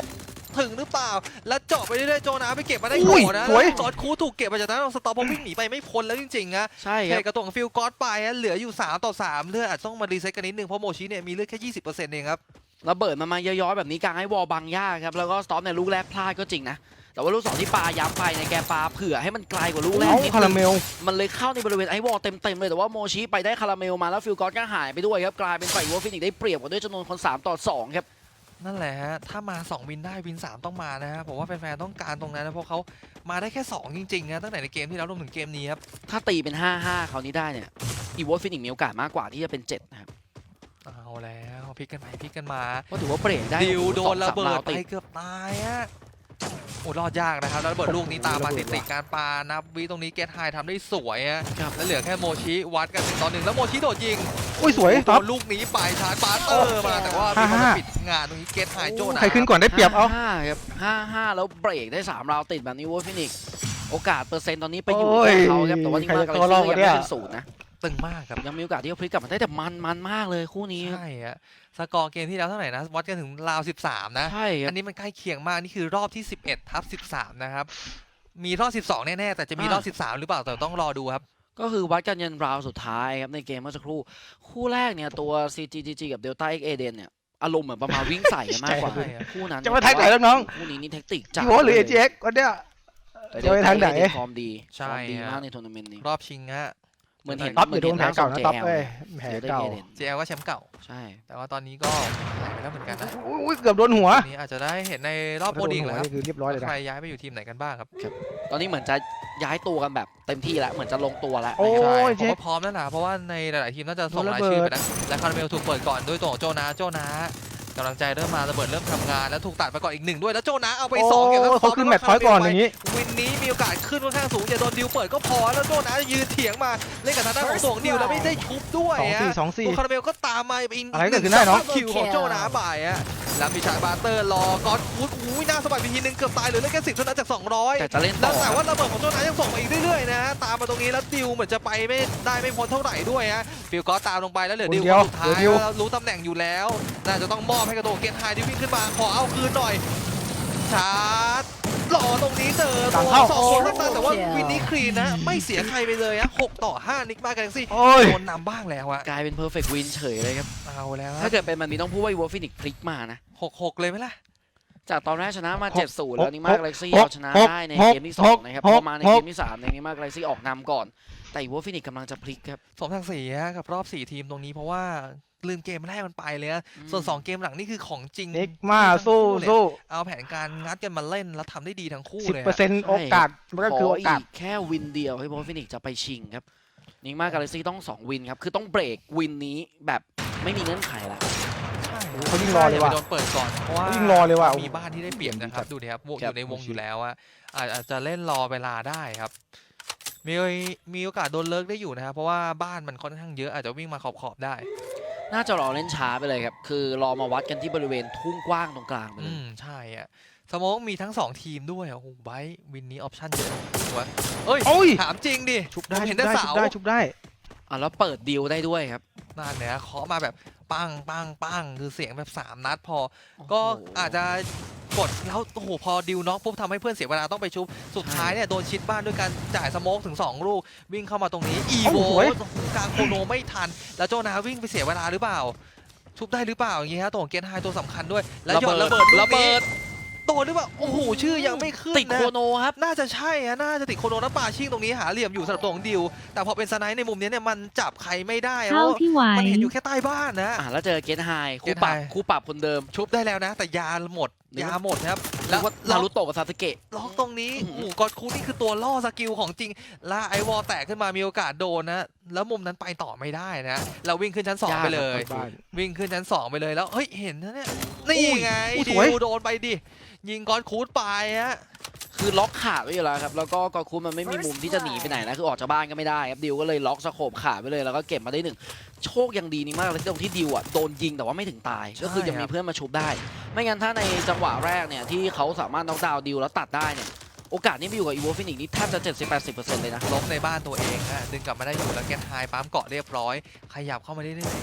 [SPEAKER 1] ถึงหรือเปล่าแล้วเจาะไปเรื่อยๆโจนาไปเก็บมาได้
[SPEAKER 3] อุ้
[SPEAKER 1] ก่
[SPEAKER 3] ย
[SPEAKER 1] อนนะ
[SPEAKER 3] สวย
[SPEAKER 1] จอร์จคูถูกเก็บมาจากนั้นสตอปวิ่งหนีไปไม่พ้นแล้วจริงๆนะ
[SPEAKER 2] ใช่ค
[SPEAKER 1] เท
[SPEAKER 2] รับ
[SPEAKER 1] กระตุกฟิลกอสไปเหลืออยู่3 ต่อ 3เลือดอาจต้องมารีเซ็ตกันนิดนึงเพราะโมชิเนี่ยมีเลือดแค่ 20%เองครับ
[SPEAKER 2] ระเบิดมันมาย้อยๆแบบนี้กลางให้วอลบังยากครับแล้วก็สต็อปในลูกแรกพลาดก็จริงนะแต่ว่าลูก2ที่ปาย้ำไปในแกปาเผื่อให้มันไกลกว่าลูกแรก
[SPEAKER 3] เอ้า
[SPEAKER 2] นิด
[SPEAKER 3] คา
[SPEAKER 2] นึ
[SPEAKER 3] ราง เมล
[SPEAKER 2] มันเลยเข้าในบริเวณไอวอลเต็มๆเลยแต่ว่าโมชิไปได้คาราเมลมาแล้วฟิลกอสก็หายไปด้วยครับกลายเป็นฝ่ายวัวฟินิกได้เปรียบกว่าด้วยจำนวนคน3 ต่อ 2ครับ
[SPEAKER 1] นั่นแหละฮะถ้ามา2วินได้วิน3ต้องมานะฮะผมว่าแฟนๆต้องการตรงนั้นนะเพราะเขามาได้แค่2จริงๆนะตั้งแต่ในเกมที่แล้วรวมถึงเกมนี้ครับ
[SPEAKER 2] ถ้าตีเป็น 5-5 คราวนี้ได้เนี่ยอีวอลฟินิกมีโอกาสมากกว่าที่จะเป็น 7 นะครับ
[SPEAKER 1] เอาแล้วพลิกกันไปพลิกกันมา
[SPEAKER 2] ก็ถือว่าเบรกได้
[SPEAKER 1] ดิวโดนระเบิด
[SPEAKER 2] 2-3
[SPEAKER 1] ไปเกือบตายฮะโอ้รอดยากนะครับแล้วระเบิดลูกนี้ตามมาติดๆการปานับวิตรงนี้เกตไฮทำได้สวยฮะ
[SPEAKER 2] ครับ
[SPEAKER 1] แล้วเหลือแค่โมชิวัดกัน1 ต่อ 1แล้วโมชิโดดยิง
[SPEAKER 3] อุ้ยสวย
[SPEAKER 1] โด
[SPEAKER 3] ท็อป
[SPEAKER 1] นลูกนี้ไปชาร์จบาสเตอร์มาแต่ว่ามีคนมาปิดงานตรงนี้เกตไฮโจนะ
[SPEAKER 3] ใครขึ้นก่อนได้เปรียบเอา
[SPEAKER 2] 5-5 ครับ 5-5 แล้วเบรกได้ 3 ราวติดแบบนี้วัวฟินิกโอกาสเปอร์เซ็นต์ตอนนี้ไปอยู่
[SPEAKER 3] โอ้ย
[SPEAKER 2] ที่เขาครับแต่ว่านี่มาก
[SPEAKER 3] ใคร
[SPEAKER 2] อะไร
[SPEAKER 3] จะเข้ารอบ
[SPEAKER 2] ยัง
[SPEAKER 3] วะเนี่
[SPEAKER 2] ไม่
[SPEAKER 3] ย
[SPEAKER 2] เป็น0นะ
[SPEAKER 1] ตึงมากครับ
[SPEAKER 2] ยังมีโอกาสที่จะพลิกกลับมาได้แต่มันมากเลยคู่นี้ครับ
[SPEAKER 1] ใช่ฮะสกอร์เกมที่แล้วเท่าไหร่นะวัดกันถึงราว13นะ
[SPEAKER 2] ใช่ครั
[SPEAKER 1] อั
[SPEAKER 2] บ
[SPEAKER 1] นนี้มันใกล้เคียงมาก นี่คือรอบที่ 11/13 นะครับ มีรอบ 12 แน่ ๆ แต่จะมีรอบ 13 หรือเปล่าแต่ต้องรอดูครับ
[SPEAKER 2] ก็คือวัดกันยันราวสุดท้ายครับในเกมเมื่อสักครู่คู่แรกเนี่ยตัว CGG กับ Delta X Eden เนี่ยอารมณ์เหมือนประมาณวิ่งใส่กันมากกว่า
[SPEAKER 1] ใช่ครับ
[SPEAKER 2] คู่นั้น
[SPEAKER 3] จะไปทางไหนแล้วน้อง
[SPEAKER 2] คู่นี้นี่แท็กติกจัด
[SPEAKER 3] อีโวหรือ AGX วันเนี้ย
[SPEAKER 2] แต่
[SPEAKER 3] จะไปทางไหน
[SPEAKER 2] Delta X ฟอร์มดี
[SPEAKER 1] ใช่
[SPEAKER 2] ฟอร์มดี
[SPEAKER 1] ฮะ
[SPEAKER 2] มากในทัวร์นาเมนต์นี้
[SPEAKER 1] รอบชิงฮะ
[SPEAKER 2] เหมือนเห็น
[SPEAKER 3] ท็อป
[SPEAKER 2] เห
[SPEAKER 3] อ
[SPEAKER 2] มือน
[SPEAKER 3] ยู่โด
[SPEAKER 2] เห็
[SPEAKER 3] น
[SPEAKER 2] น
[SPEAKER 3] แผล
[SPEAKER 2] ร่างทร
[SPEAKER 3] เก่าง นะท็อป
[SPEAKER 2] JL
[SPEAKER 3] เอ้ยแผล
[SPEAKER 2] Delta X
[SPEAKER 3] เก่า
[SPEAKER 2] Eden
[SPEAKER 1] JL ก็แชมป์เก่า
[SPEAKER 2] ใช่
[SPEAKER 1] แต่ว่าตอนนี้ก็หายไปแล้วเหมือนกันนะ
[SPEAKER 3] อุ้ยเกือบโดนหัว
[SPEAKER 1] อันนี้อาจจะได้เห็นในรอบโปรดิงแล้วครับ
[SPEAKER 3] นี่คือเรียบร้อยเลย
[SPEAKER 1] ว่า
[SPEAKER 3] นะ
[SPEAKER 1] ใครย้ายไปอยู่ทีมไหนกันบ้างครับ
[SPEAKER 2] ตอนนี้เหมือนจะย้ายตัวกันแบบเต็มที่แล้วเหมือนจะลงตัวแล้ว
[SPEAKER 3] โอ้
[SPEAKER 2] นะครับ
[SPEAKER 3] ย
[SPEAKER 1] ใช่ผมว่าพร้อมแล้วนะเพราะว่าในหลาย ๆ ทีมน่าจะส่ง
[SPEAKER 3] โดน
[SPEAKER 1] รา
[SPEAKER 3] ระ
[SPEAKER 1] ย
[SPEAKER 3] เบิด
[SPEAKER 1] ชื่อไปนะและคาราเมลถูกเปิดก่อนด้วยตัวของโจนากำลังใจเริ่มมาระเบิดเริ่มทำงานแล้วถูกตัดไปก่อนอีก1ด้วยแล้วโจนาเอาไป2เก็บทั้ง
[SPEAKER 3] เขาขึ้นแมตช์พอยต์ก่อนอย่างนี้
[SPEAKER 1] วินนี้มีโอกาสขึ้นค่อนข้างสูงอย่าโดนดิวเปิดก็พอแล้วโจนายืนเถียงมาเล่นกับทางด้านของตัวของดิวแล้วไม่ได้ชุบด้วยฮะ
[SPEAKER 3] 2-4
[SPEAKER 1] ตัวคาราเมลก็ตามมาอีก
[SPEAKER 3] อะไรเกิดขึ้นได้เนอะ
[SPEAKER 1] คิวของโจนาบ่ายฮะแล้วมีชายบาร์เตอร์รอก๊อตฟูดอุ้ยหน้าสบายไปทีนึงเกือบตายเหลือเล่นแค่10เท่านั้นจาก200
[SPEAKER 2] แต่จะเล่น
[SPEAKER 1] แล้
[SPEAKER 2] ต่
[SPEAKER 1] ว
[SPEAKER 2] อ
[SPEAKER 1] แต่ว่าระเบิดของโจนายังส่งมาอีกเรื่อยๆนะฮะตามมาตรงนี้แล้วดิวเหมือนจะไปไม่ได้ไม่พ้นเท่าไหร่ด้วยฮะฟิลก็ตามลงไปแล้วเหลือดิวคนสุดท้ายแล้วรู้ตำแหน่งอยู่แล้วน่าจะต้องมอบให้กับตัวเกตไฮที่วิ่งขึ้นมาขอเอาคืนหน่อยชาร์จรอตรงนี้เจอตัวสองคนข้างๆแต่ว่าวินนี่คลีนนะไม่เสียใครไปเลยฮะ6 ต่อ 5นิกมาแกลซี่
[SPEAKER 3] โอ้ย
[SPEAKER 1] โดนนำบ้างแล้วอะ
[SPEAKER 2] กลายเป็นเพอร์เฟกต์วินเฉยเลยครับ
[SPEAKER 1] เอาแล้ว
[SPEAKER 2] ถ้าเกิดเป็นแบบนี้ต้องพูดว่าวัวฟินิกพลิกมานะ
[SPEAKER 1] 6 เลยไหมล่ะ
[SPEAKER 2] จากตอนแรกชนะมา 7-0 แล้วนิมา
[SPEAKER 3] หก
[SPEAKER 2] กาแล็กซี่
[SPEAKER 3] หก
[SPEAKER 2] เอาชนะ
[SPEAKER 3] หก
[SPEAKER 2] ได้ใน
[SPEAKER 3] หก
[SPEAKER 2] เกมที่2นะครับ
[SPEAKER 3] ห
[SPEAKER 2] พ
[SPEAKER 3] ก
[SPEAKER 2] อมาใน
[SPEAKER 3] ห
[SPEAKER 2] เก
[SPEAKER 3] ก
[SPEAKER 2] มที่3ในนิมากาแล็กซี่ออกนำก่อน แต่วัวฟินิกกำลังจะพลิกครับ
[SPEAKER 1] สมศักดิ์ศรีฮะกับรอบ4 ทีมตรงนี้เพราะว่าลืมเกมแรกมันไปเลยนะส่วน 2 เกมหลังนี่คือของจริง
[SPEAKER 3] นิกมาสู้สู้
[SPEAKER 1] เอาแผนการงัดกันมาเล่นแล้วทำได้ดีทั้งคู่เลยฮะ
[SPEAKER 3] 10%โอกาสมันก็คือโอกาส
[SPEAKER 2] แค่วินเดียวให้วัวฟินิกจะไปชิงครับนิมากาแล็กซี่ต้อง2วินครับคือต้องเบรกวินนี้แบบไม่มีเงื่อนไขละ
[SPEAKER 1] ใช่
[SPEAKER 3] เขายิ่งรอเลยว่ะ
[SPEAKER 1] โดนเปิดก่อนเพราะว่า
[SPEAKER 3] เขายิ่งรอเลยว่ะ
[SPEAKER 1] มีบ้านที่ได้เปรียบนะครับดูดิครับวง
[SPEAKER 2] ค
[SPEAKER 1] อ
[SPEAKER 2] รับ
[SPEAKER 1] ยู่ในวงอยู่แล้วอะอาจจะเล่นรอเวลาได้ครับมีโอกาสโดนเลิกได้อยู่นะครับเพราะว่าบ้านมันค่อนข้างเยอะอาจจะวิ่งมาขอบได้
[SPEAKER 2] น่าจะรอเล่นช้าไปเลยครับคือรอมาวัดกันที่บริเวณทุ่งกว้างตรงกลางไปเลย
[SPEAKER 1] ใช่อะสโมกมีทั้ง2 ทีมด้วยโอ้โหไบท์วินนี้ออปชั่นเยอะวะเอ้ย
[SPEAKER 3] โอ้ย
[SPEAKER 1] ถามจริงดิ
[SPEAKER 3] ชุบได้
[SPEAKER 1] ผมเห็
[SPEAKER 3] ชุ
[SPEAKER 1] น
[SPEAKER 3] บ
[SPEAKER 1] แต่
[SPEAKER 3] ได้
[SPEAKER 1] เสา
[SPEAKER 3] ชุบได้ชุบได้
[SPEAKER 2] แล้วเปิดดีลได้ด้วยครับ
[SPEAKER 1] นั่นเนี่ยเคาะมาแบบปังปังปังคือเสียงแบบ3 นัดพอ ก็อาจจะกดแล้วโอ้โหพอดิวน็อกปุ๊บทำให้เพื่อนเสียเวลาต้องไปชุบสุดท้ายเนี่ยโดนชิดบ้านด้วยการจ่ายสโมกถึง2 ลูกวิ่งเข้ามาตรงนี้อีโว
[SPEAKER 3] โอ้โห
[SPEAKER 1] กลางโคโนไม่ทัน แล้วโจนาวิ่งไปเสียเวลาหรือเปล่าชุบได้หรือเปล่าอย่างงี้ฮะตัวของเกนไฮตัวสำคัญด้วยแล้วหยอดระเบิดลูกนี้โดนหรือเปล่าโอ้โหชื่อยังไม่ขึ้น
[SPEAKER 2] ติด
[SPEAKER 1] นะ
[SPEAKER 2] โคโนครับ
[SPEAKER 1] น่าจะใช่ฮะน่าจะติดโคโนน้ำปลาชิ่งตรงนี้หาเหลี่ยมอยู่สำหรับตัวของดิวแต่พอเป็นสไนป์ในมุมนี้เนี่ยมันจับใครไม่ได้เพ
[SPEAKER 5] เท่า
[SPEAKER 1] ราะ
[SPEAKER 5] ที่ไหว
[SPEAKER 1] มันเห็นอยู่แค่ใต้บ้านนะ
[SPEAKER 2] แล้วเจอเกตไฮ
[SPEAKER 1] เก
[SPEAKER 2] คู่
[SPEAKER 1] ต
[SPEAKER 2] ปรับ
[SPEAKER 1] ไฮ
[SPEAKER 2] คู่ปรับคนเดิม
[SPEAKER 1] ชุบได้แล้วนะ แต่ยาหมด
[SPEAKER 2] นึก
[SPEAKER 1] ยา
[SPEAKER 2] ว่า
[SPEAKER 1] หมดครับ
[SPEAKER 2] แล้
[SPEAKER 1] แล้ว ว
[SPEAKER 2] นารุโตะกับซาสึเกะ
[SPEAKER 1] ล็อกตรงนี้
[SPEAKER 2] อื้อหือ
[SPEAKER 1] โอ้โหกอดคูนี่คือตัวล่อสกิลของจริงล่าไอวอลแตกขึ้นมามีโอกาสโดนนะแล้วมุมนั้นไปต่อไม่ได้นะเราวิ่งขึ้นชั้น 2 ไปเลย
[SPEAKER 3] บ้าน
[SPEAKER 1] วิ่งขึ้นชั้น 2 ไปเลยแล้วเฮ้ยเห็นนะเนี่ยนี่ไง
[SPEAKER 3] อุ้ย
[SPEAKER 1] ดิ
[SPEAKER 3] สวย
[SPEAKER 1] วโดนไปดิยิงกอดคูดไปฮะ
[SPEAKER 2] คือล็อกขาดไว้อยู่แล้วครับแล้วก็กอคูมันไม่มีมุมที่จะหนีไปไหนนะคือออกจากบ้านก็ไม่ได้ครับดิวก็เลยล็อกสโคปขาดไว้เลยแล้วก็เก็บมาได้1โชคยังดีนี่มากเลยตรงที่ดิวโดนยิงแต่ว่าไม่ถึงตายก็คือยังมีเพื่อนมาชุบได้ ไม่งั้นถ้าในจังหวะแรกเนี่ยที่เขาสามารถน็อกดาวน์ดิวแล้วตัดได้เนี่ยโอกาสนี้ไปอยู่กับอีโวฟินิกนี่แทบจะ 70-80% เลยนะ
[SPEAKER 1] ล้มในบ้านตัวเองฮะดึงกลับมาได้อยู่แล้วแกนไฮปั๊มเกาะเรียบร้อยขยับเข้ามาเรื่อยๆท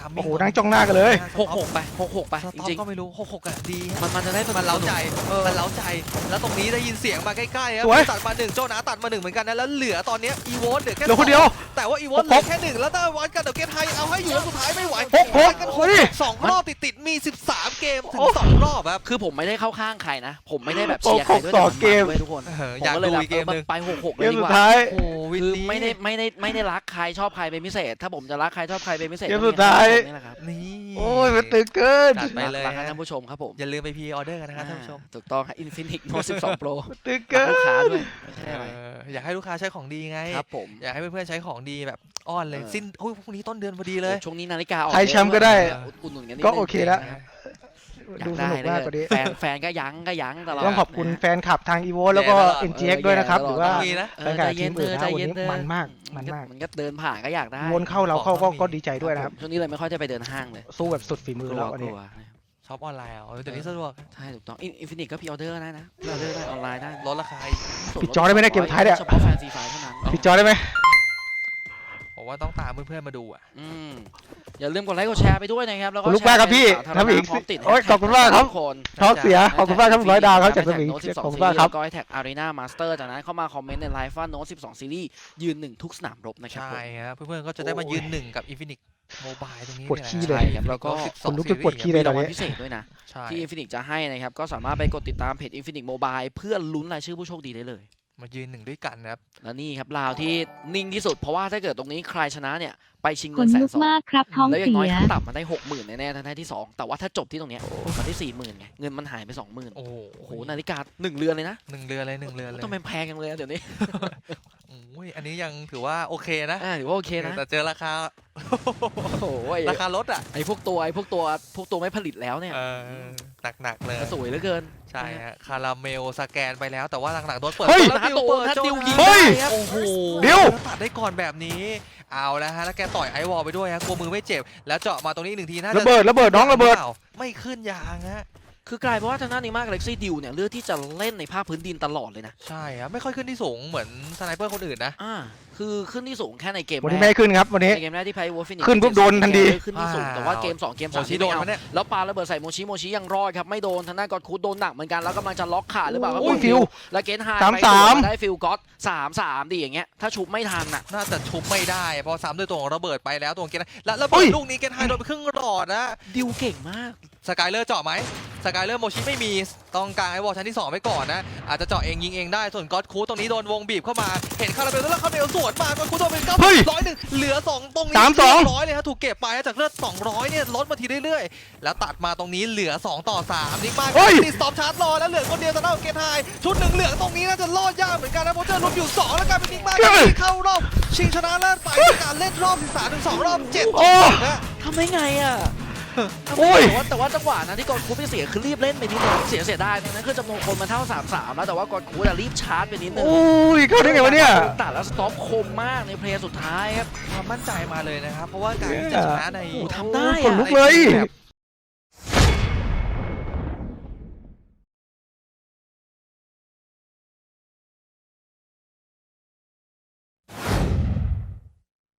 [SPEAKER 1] าม
[SPEAKER 3] โอ้โหนั่งจ้องหน้ากันเลย
[SPEAKER 2] 6-6 ไป 6-6 ไป
[SPEAKER 1] ส
[SPEAKER 2] จ
[SPEAKER 1] ต็อป
[SPEAKER 2] ริง
[SPEAKER 1] ก็ไม่รู้6-6อะดี
[SPEAKER 2] ๆมันจะได้
[SPEAKER 1] มันเล้าใจ
[SPEAKER 2] มัน
[SPEAKER 1] มันเล้าใจ แล้วตรงนี้ได้ยินเสียงมาใกล้ๆครับ
[SPEAKER 3] สวย
[SPEAKER 1] ตัดมา1โจนาตัดมา1เหมือนกันนะแล้วเหลือตอนนี้อีโวเหลือแค่
[SPEAKER 3] เหลือคนเดียว
[SPEAKER 1] แต่ว่าอีโวเหลือแค่1แล้วถ้าวัดกันเดี๋ยวเกตไทยเอาให้อยู่แล้วสุดท้ายไม่ไหว
[SPEAKER 3] 6
[SPEAKER 1] วัดกัน
[SPEAKER 3] เฮ้ย
[SPEAKER 1] 2รอบติดๆมี13เกมถึง2รอบครับ
[SPEAKER 2] คือผมไม่ได้เข้าข้างใครนะ ผมไม่ได้แบบเชียร์ใครด้วย
[SPEAKER 3] 6-6
[SPEAKER 2] แต่มัน
[SPEAKER 3] เกม
[SPEAKER 2] ด้วยทุกคน
[SPEAKER 1] อยาก
[SPEAKER 2] ผมก็เลย
[SPEAKER 1] ดู
[SPEAKER 2] แบบ
[SPEAKER 1] อีกเกมหนึ่ง
[SPEAKER 2] ไป 6-6
[SPEAKER 3] เก
[SPEAKER 2] เลย
[SPEAKER 3] ม
[SPEAKER 2] ดี
[SPEAKER 3] สุ
[SPEAKER 2] ก
[SPEAKER 3] ด
[SPEAKER 2] ว่า
[SPEAKER 3] ท้าย
[SPEAKER 1] โอ้วิน
[SPEAKER 2] คือ
[SPEAKER 1] นี้
[SPEAKER 2] ไม่ได้รักใครชอบใครเป็นพิเศษ ถ้าผมจะรักใครชอบใครเป็นพิเศษ
[SPEAKER 3] เกมสุดท้าย
[SPEAKER 2] นี่แหละครับ
[SPEAKER 1] นี่
[SPEAKER 3] โอ้ยมันตึงเกิน
[SPEAKER 1] จัดไปเลย
[SPEAKER 2] รัก
[SPEAKER 1] ฮะ
[SPEAKER 2] ท่านผู้ชมครับผม
[SPEAKER 1] อย่าลืมไปพรีออเดอร์กันนะครับท่านผู้ชม
[SPEAKER 2] ถูกต้องครับ Infinix Note 12 Pro
[SPEAKER 3] ตึงเกิน
[SPEAKER 2] ลูกค้าด้วยไม่ใช่อะไร
[SPEAKER 1] อยากให้ลูกค้าใช้ของดีไง
[SPEAKER 2] ครับผม
[SPEAKER 1] อยากให้เพื่อนๆใช้ของดีแบบอ้อนเลย
[SPEAKER 2] เออ
[SPEAKER 1] สิ้นพรุ่งนี้ต้นเดือนพอดีเลย
[SPEAKER 2] ช่วงนี้นาฬิกาออก
[SPEAKER 3] ไทยแชมป์ก็ได้
[SPEAKER 2] อุดหนุนกันนิด
[SPEAKER 3] ก็
[SPEAKER 2] นึง
[SPEAKER 3] โอเคแล้ว
[SPEAKER 2] อยา
[SPEAKER 3] ดู
[SPEAKER 2] ก
[SPEAKER 3] ส
[SPEAKER 2] ได้
[SPEAKER 3] นุกมากกว่านี้
[SPEAKER 2] แฟนก็ยั้งตลอด
[SPEAKER 3] ต้องขอบคุณ
[SPEAKER 2] นะ
[SPEAKER 3] แฟนคลับทาง EVO แล้วก็
[SPEAKER 1] แย่ตลอด
[SPEAKER 3] NGX ด้วยนะครับ หรือว่า
[SPEAKER 1] มีนะ
[SPEAKER 2] เอ
[SPEAKER 3] แฟ
[SPEAKER 2] อน
[SPEAKER 3] คลั
[SPEAKER 2] ใจ
[SPEAKER 3] บที
[SPEAKER 2] เย็น
[SPEAKER 3] ม
[SPEAKER 2] เธ
[SPEAKER 3] อื่น
[SPEAKER 2] อ
[SPEAKER 3] นะ
[SPEAKER 2] ใจ
[SPEAKER 3] วัน
[SPEAKER 2] เย็น
[SPEAKER 3] นี้
[SPEAKER 2] เธอ
[SPEAKER 3] มันมากมันมาก
[SPEAKER 2] มันก็เดินผ่านก็อยากได้
[SPEAKER 3] วนเข้าเราเข้าก็ดีใจด้วยนะครับ
[SPEAKER 2] ช่วงนี้เลยไม่ค่อยได้ไปเดินห้างเลย
[SPEAKER 3] สู้แบบสุดฝีมือแล้ววัน
[SPEAKER 2] ก
[SPEAKER 3] นี้
[SPEAKER 2] ลัว
[SPEAKER 1] ช็อปออนไลน์เอาเดี๋ยวนี้สะดวก
[SPEAKER 2] ใช่ถูกต้องอินฟินิตก็พรีออเดอร์ได้นะพรีออเดอร์ได้ออนไลน์ได้
[SPEAKER 1] ลดราคาอีก
[SPEAKER 3] ปิดจอได้ไหมเนี่ยเกมท้ายเนี่ย
[SPEAKER 2] เฉพาะแฟนซีไฟเท่านั้น
[SPEAKER 3] ปิดจอได้ไหม
[SPEAKER 1] ผมว่าต้องตามเพื่อนๆมาดูอ่ะ
[SPEAKER 2] อืมอย่าลืมกดไลค์กดแชร์ไปด้วยนะครับแล้วก็
[SPEAKER 3] ขอบคุณมากครับพี่
[SPEAKER 2] แชร์เป็นสาธารณะ
[SPEAKER 3] น้ำอีก
[SPEAKER 2] พร้อมติด
[SPEAKER 3] โอ้ยขอบคุณมากครับ
[SPEAKER 2] ทุกคน
[SPEAKER 3] ท้องเสียขอบคุณมากครับ100 ดาวครับจากสมิง
[SPEAKER 2] โน้ต
[SPEAKER 3] ขอบ
[SPEAKER 2] 12
[SPEAKER 3] คุณ
[SPEAKER 2] ซี
[SPEAKER 3] มาก
[SPEAKER 2] รีส์
[SPEAKER 3] ครับ
[SPEAKER 2] แล้วก็แท็กอารีนามาสเตอร์จากนั้นเข้ามาคอมเมนต์ในไลฟ์ว่าโน้ต12 ซีรีส์ยืนหนึ่งทุกสนามรบนะครับ
[SPEAKER 1] ใช่
[SPEAKER 2] ผม
[SPEAKER 1] ครับเพื่อนๆก็จะได้มายืนหนึ่งกับ Infinix Mobile ตรงนี้
[SPEAKER 3] ปวดขี้
[SPEAKER 1] นี่
[SPEAKER 3] เลย
[SPEAKER 1] แหะ
[SPEAKER 2] ครับแล้วก็
[SPEAKER 3] คนลุกจนปวดขี้เลย
[SPEAKER 2] มีรางวัลพิเศษด้วยนะ
[SPEAKER 1] ใช่
[SPEAKER 2] ที่ Infinix จะให้นะครับ ก็สามารถไปกดติดตามเพจ Infinix Mobile เพื่อลุ้นรายชื่อผู้โชคดีได้เลย
[SPEAKER 1] มายืนหนึ่งด้วยกันนะครับ
[SPEAKER 2] และนี่ครับลาวที่นิ่งที่สุดเพราะว่าถ้าเกิดตรงนี้ใครชนะเนี่ยไปชิง
[SPEAKER 5] ข
[SPEAKER 2] เงิน
[SPEAKER 5] น
[SPEAKER 2] แส
[SPEAKER 5] ลุ
[SPEAKER 2] น
[SPEAKER 5] ก
[SPEAKER 2] สอง
[SPEAKER 5] มากครับท้อง
[SPEAKER 2] แล้วอย่า
[SPEAKER 5] เสี
[SPEAKER 2] งน้อย
[SPEAKER 5] ย
[SPEAKER 2] ขั้นต่ำมันได้ 60,000แน่ๆทั้งที่สองแต่ว่าถ้าจบที่ตรงเนี้ยมันได้ 40,000ไงเงินมันหายไป 20,000
[SPEAKER 1] โอ้โห
[SPEAKER 2] โอ้โหนาฬิกา1 เรือนเลยนะ
[SPEAKER 1] หนึ่งเรือนเลยหนึ่งเรือนเลย
[SPEAKER 2] ทำไมแพงจังเลยอะเดี๋ยวนี้
[SPEAKER 1] โอ้ยอันนี้ยังถือว่าโอเคนะ
[SPEAKER 2] ถือว่าโอเคนะ
[SPEAKER 1] แต่เจอราคา
[SPEAKER 2] โอ้ย
[SPEAKER 1] ราคารถอ่ะ
[SPEAKER 2] ไอ้พวกตัวไม่ผลิตแล้วเนี่ย
[SPEAKER 1] หนักๆเลย
[SPEAKER 2] ก็สวยเหลือเกิน
[SPEAKER 1] ใช่ฮะคาราเมลสแกนไปแล้วแต่ว่าหลังๆโดนเปิด
[SPEAKER 3] เฮ้ย
[SPEAKER 1] แล้ว
[SPEAKER 2] ถ้า
[SPEAKER 1] ดิว
[SPEAKER 2] โต
[SPEAKER 1] เปิด
[SPEAKER 2] ถ้า
[SPEAKER 1] โจ
[SPEAKER 2] ดิว
[SPEAKER 1] นา
[SPEAKER 2] ยิง
[SPEAKER 3] เฮ้ย
[SPEAKER 2] ได้ครับ
[SPEAKER 1] โอ้โห
[SPEAKER 3] ดิว
[SPEAKER 1] แล้วตัดได้ก่อนแบบนี้เอาแล้วฮะแล้วแกต่อยไอวอลไปด้วยฮะกลัวมือไม่เจ็บแล้วเจาะมาตรงนี้อีกหนึ่งทีน่าจะ
[SPEAKER 3] ระเบิดน้องระเบิด
[SPEAKER 1] ไม่ขึ้นยางฮะ
[SPEAKER 2] คือกลายเป็นว่าทางด้านนี้มากเล็กซี่ดิวเนี่ยเลือกที่จะเล่นในภาคพื้นดินตลอดเลยนะ
[SPEAKER 1] ใช่ครับไม่ค่อยขึ้นที่สูงเหมือนสไนเปอร์คนอื่นนะ
[SPEAKER 2] คือขึ้นที่สูงแค่ในเกม
[SPEAKER 3] วัน
[SPEAKER 2] แร
[SPEAKER 3] นี้ไม่
[SPEAKER 2] ก
[SPEAKER 3] ให้ขึ้นครับวันนี้
[SPEAKER 2] ในเกมแรกที่ไพ่วอลฟินิ
[SPEAKER 3] ขึ้นปุ๊บโดนทันที
[SPEAKER 2] ขึ้นที่สูงแต่ว่าเกม2เกม
[SPEAKER 1] โม
[SPEAKER 2] 3
[SPEAKER 1] ชิ
[SPEAKER 2] ที่
[SPEAKER 1] โด
[SPEAKER 2] ไม่
[SPEAKER 1] น
[SPEAKER 2] เอา
[SPEAKER 1] มาเนี่ย
[SPEAKER 2] แล้วปาระเบิดใส่โมชิยังรอดครับไม่โดนทางด้านกอดคูดโดนหนักเหมือนกันแล้วกำลังจะล็อกขาหรือเปล่าครับ
[SPEAKER 3] โอ้ยฟิว
[SPEAKER 2] แล้วเกนไฮ
[SPEAKER 3] 3-3
[SPEAKER 2] ได้ฟิลก็อต3-3ดิอย่างเงี้ยถ้าชุบไม่ทันอ่ะ
[SPEAKER 1] น่าจะชุบไม่ได้เพอซ้ำด้วยตัวของระเบิดไปแล้วตัวของเกนแล้วระเบิดลูกนี้เกนไฮโดนไปครึ่งหลอดนะ
[SPEAKER 2] ดิวเก่งมาก
[SPEAKER 1] สกายเลอร์เจาะไหมสกายเลอร์โมชิไม่มีต้องกลางไอวอลชั้นที่2ไว้ก่อนนะอาจจะเจาะเองยิงเองได้ส่วนก็อดคูตรงนี้โดนวงบีบเข้ามาเห็นคาราเมลแล้วคาราเมลสวนมาก็อดคูโดนเป็น
[SPEAKER 3] เฮ้ย
[SPEAKER 1] 900เหลือ2ตรงนี้
[SPEAKER 3] 3-2
[SPEAKER 1] 100เลยฮะถูกเก็บไปจากเลือด200เนี่ยลดมาทีเรื่อยๆแล้วตัดมาตรงนี้เหลือ2-3นิกมาก
[SPEAKER 3] เฮ้ย
[SPEAKER 1] ตีสต็อปชาร์จรอแล้วเหลือคนเดียวสำหรับเกนไฮชุดหนึ่งเหลืองตรงนี้น่าจะรอดยากเหมือนกันนะเพราะเจอลุ้นอยู่2แล้วกลายเป็นนิกมากที่เข้ารอบชิงชนะเลิศไปด้วยการเล่นรอบ13ถึง2รอบ7-2นะ
[SPEAKER 2] ทำได้ไงอ่ะ
[SPEAKER 3] โอ้ย
[SPEAKER 2] แต่ว่าจังหวะนั้นที่กอนคูดไปเสียคือรีบเล่นไปนิดนึงเสียดายนั้นคือจำนวนคนมันเท่า 3-3 แล้วแต่ว่ากอนคูดรีบชาร์จไปนิดนึง
[SPEAKER 3] โอ้ยเข้าได้ไงวะเนี่ย
[SPEAKER 2] ตัดแล้วสต็อปคมมากในเพลย์สุดท้ายครับ
[SPEAKER 1] ความมั่นใจมาเลยนะครับ เพราะว่าการที่จะชนะใน
[SPEAKER 2] โอ้โหทำได้
[SPEAKER 3] ขนลุกเลย
[SPEAKER 1] แบบ